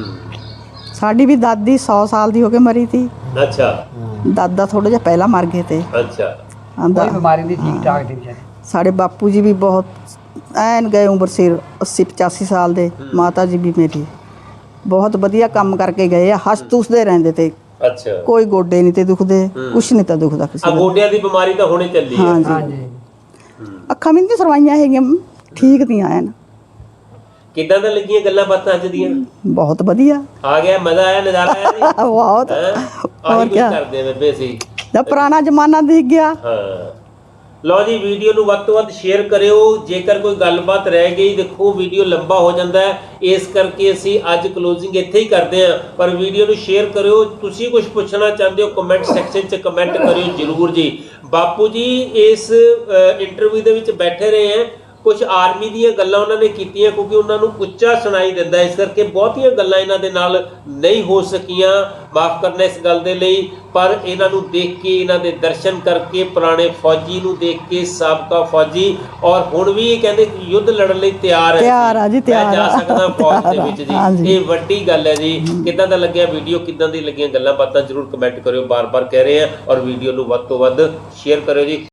Speaker 2: ਸਾਡੀ ਵੀ ਦਾਦੀ 100 ਸਾਲ ਦੀ ਹੋ ਕੇ ਮਰੀ ਤੀ।
Speaker 1: ਅੱਛਾ।
Speaker 2: ਦਾਦਾ ਥੋੜਾ ਜਿਹਾ ਪਹਿਲਾਂ ਮਰ ਗਏ ਤੇ।
Speaker 1: ਅੱਛਾ।
Speaker 4: ਕੋਈ ਬਿਮਾਰੀ ਨਹੀਂ, ਠੀਕ ਠਾਕ ਸੀ ਵਿਚਾਰੇ।
Speaker 2: ਸਾਡੇ ਬਾਪੂ ਜੀ ਵੀ ਬਹੁਤ ਐਨ ਗਏ ਉਮਰ ਸਿਰ, 80-85 ਸਾਲ ਦੇ। ਮਾਤਾ ਜੀ ਵੀ ਮੇਰੀ ਬਹੁਤ ਵਧੀਆ ਕੰਮ ਕਰਕੇ ਗਏ ਆ, ਹੱਸ-ਤੁਸਦੇ ਰਹਿੰਦੇ ਤੇ।
Speaker 1: ਅੱਛਾ।
Speaker 2: ਕੋਈ ਗੋਡੇ ਨਹੀਂ ਤੇ ਦੁਖਦੇ, ਕੁਛ ਨਹੀਂ ਤਾਂ ਦੁਖਦਾ ਕਿਸੇ
Speaker 1: ਦਾ। ਗੋਡਿਆਂ ਦੀ ਬਿਮਾਰੀ ਤਾਂ ਹੁਣੇ ਚੱਲੀ ਹੈ।
Speaker 2: ਹਾਂਜੀ। ਅੱਖਾਂ ਵੀ ਨਹੀਂ ਸਰਵਾਈਆਂ ਹੈਗੀਆਂ, ਠੀਕ ਦੀਆਂ ਐਨ।
Speaker 1: ਕਿੱਦਾਂ ਦਾ ਲੱਗੀਆਂ ਗੱਲਾਂ ਬਾਤਾਂ ਅੱਜ ਦੀਆਂ?
Speaker 2: ਬਹੁਤ ਵਧੀਆ,
Speaker 1: ਆ ਗਿਆ ਮਜ਼ਾ ਆਇਆ, ਨਜ਼ਾਰਾ ਆਇਆ ਜੀ।
Speaker 2: ਬਹੁਤ।
Speaker 1: ਹੋਰ ਕੀ ਕਰਦੇ ਬੇਬੇ ਸੀ?
Speaker 2: ਜਦ ਪੁਰਾਣਾ ਜ਼ਮਾਨਾ ਦਿਖ ਗਿਆ।
Speaker 1: ਹਾਂ। ਲਓ ਜੀ, ਵੀਡੀਓ ਨੂੰ ਵੱਧ ਤੋਂ ਵੱਧ ਸ਼ੇਅਰ ਕਰਿਓ। ਜੇਕਰ ਕੋਈ ਗੱਲਬਾਤ ਰਹਿ ਗਈ, ਦੇਖੋ ਵੀਡੀਓ ਲੰਬਾ ਹੋ ਜਾਂਦਾ ਹੈ, ਇਸ ਕਰਕੇ ਅਸੀਂ ਅੱਜ ਕਲੋਜ਼ਿੰਗ ਇੱਥੇ ਹੀ ਕਰਦੇ ਹਾਂ। ਪਰ ਵੀਡੀਓ ਨੂੰ ਸ਼ੇਅਰ ਕਰਿਓ। ਤੁਸੀਂ ਕੁਝ ਪੁੱਛਣਾ ਚਾਹੁੰਦੇ ਹੋ ਕਮੈਂਟ ਸੈਕਸ਼ਨ 'ਚ ਕਮੈਂਟ ਕਰਿਓ ਜ਼ਰੂਰ ਜੀ। ਬਾਪੂ ਜੀ ਇਸ ਇੰਟਰਵਿਊ ਦੇ ਵਿੱਚ ਬੈਠੇ ਰਹੇ ਹੈ, ਕੁਝ ਆਰਮੀ ਦੀਆਂ ਗੱਲਾਂ ਉਹਨਾਂ ਨੇ ਕੀਤੀਆਂ ਕਿਉਂਕਿ ਉਹਨਾਂ ਨੂੰ ਉੱਚਾ ਸੁਣਾਈ ਦਿੰਦਾ, ਇਸ ਕਰਕੇ ਬਹੁਤੀਆਂ ਗੱਲਾਂ ਇਹਨਾਂ ਦੇ ਨਾਲ ਨਹੀਂ ਹੋ ਸਕੀਆਂ, ਮਾਫ ਕਰਨਾ ਇਸ ਗੱਲ ਦੇ ਲਈ। ਪਰ ਇਹਨਾਂ ਨੂੰ ਦੇਖ ਕੇ, ਇਹਨਾਂ ਦੇ ਦਰਸ਼ਨ ਕਰਕੇ, ਪੁਰਾਣੇ ਫੌਜੀ ਨੂੰ ਦੇਖ ਕੇ, ਸਾਬਕਾ ਫੌਜੀ, ਔਰ ਹੁਣ ਵੀ ਇਹ ਕਹਿੰਦੇ ਕਿ ਯੁੱਧ ਲੜਨ ਲਈ ਤਿਆਰ ਹੈ,
Speaker 2: ਤਿਆਰ ਆ ਜੀ, ਤਿਆਰ
Speaker 1: ਮੈਂ ਜਾ
Speaker 2: ਆ।
Speaker 1: ਸਕਦਾ ਫੌਜ ਦੇ ਵਿੱਚ
Speaker 2: ਹਾਂਜੀ।
Speaker 1: ਜੀ। ਇਹ ਵੱਡੀ ਗੱਲ ਹੈ ਜੀ। ਕਿੱਦਾਂ ਦਾ ਲੱਗਿਆ ਵੀਡੀਓ, ਕਿੱਦਾਂ ਦੀ ਲੱਗੀਆਂ ਗੱਲਾਂ ਬਾਤਾਂ, ਜ਼ਰੂਰ ਕਮੈਂਟ ਕਰਿਓ, ਬਾਰ-ਬਾਰ ਕਹਿ ਰਹੇ ਆ। ਔਰ ਵੀਡੀਓ ਨੂੰ ਵੱਧ ਤੋਂ ਵੱਧ ਸ਼ੇਅਰ ਕਰਿਓ ਜੀ।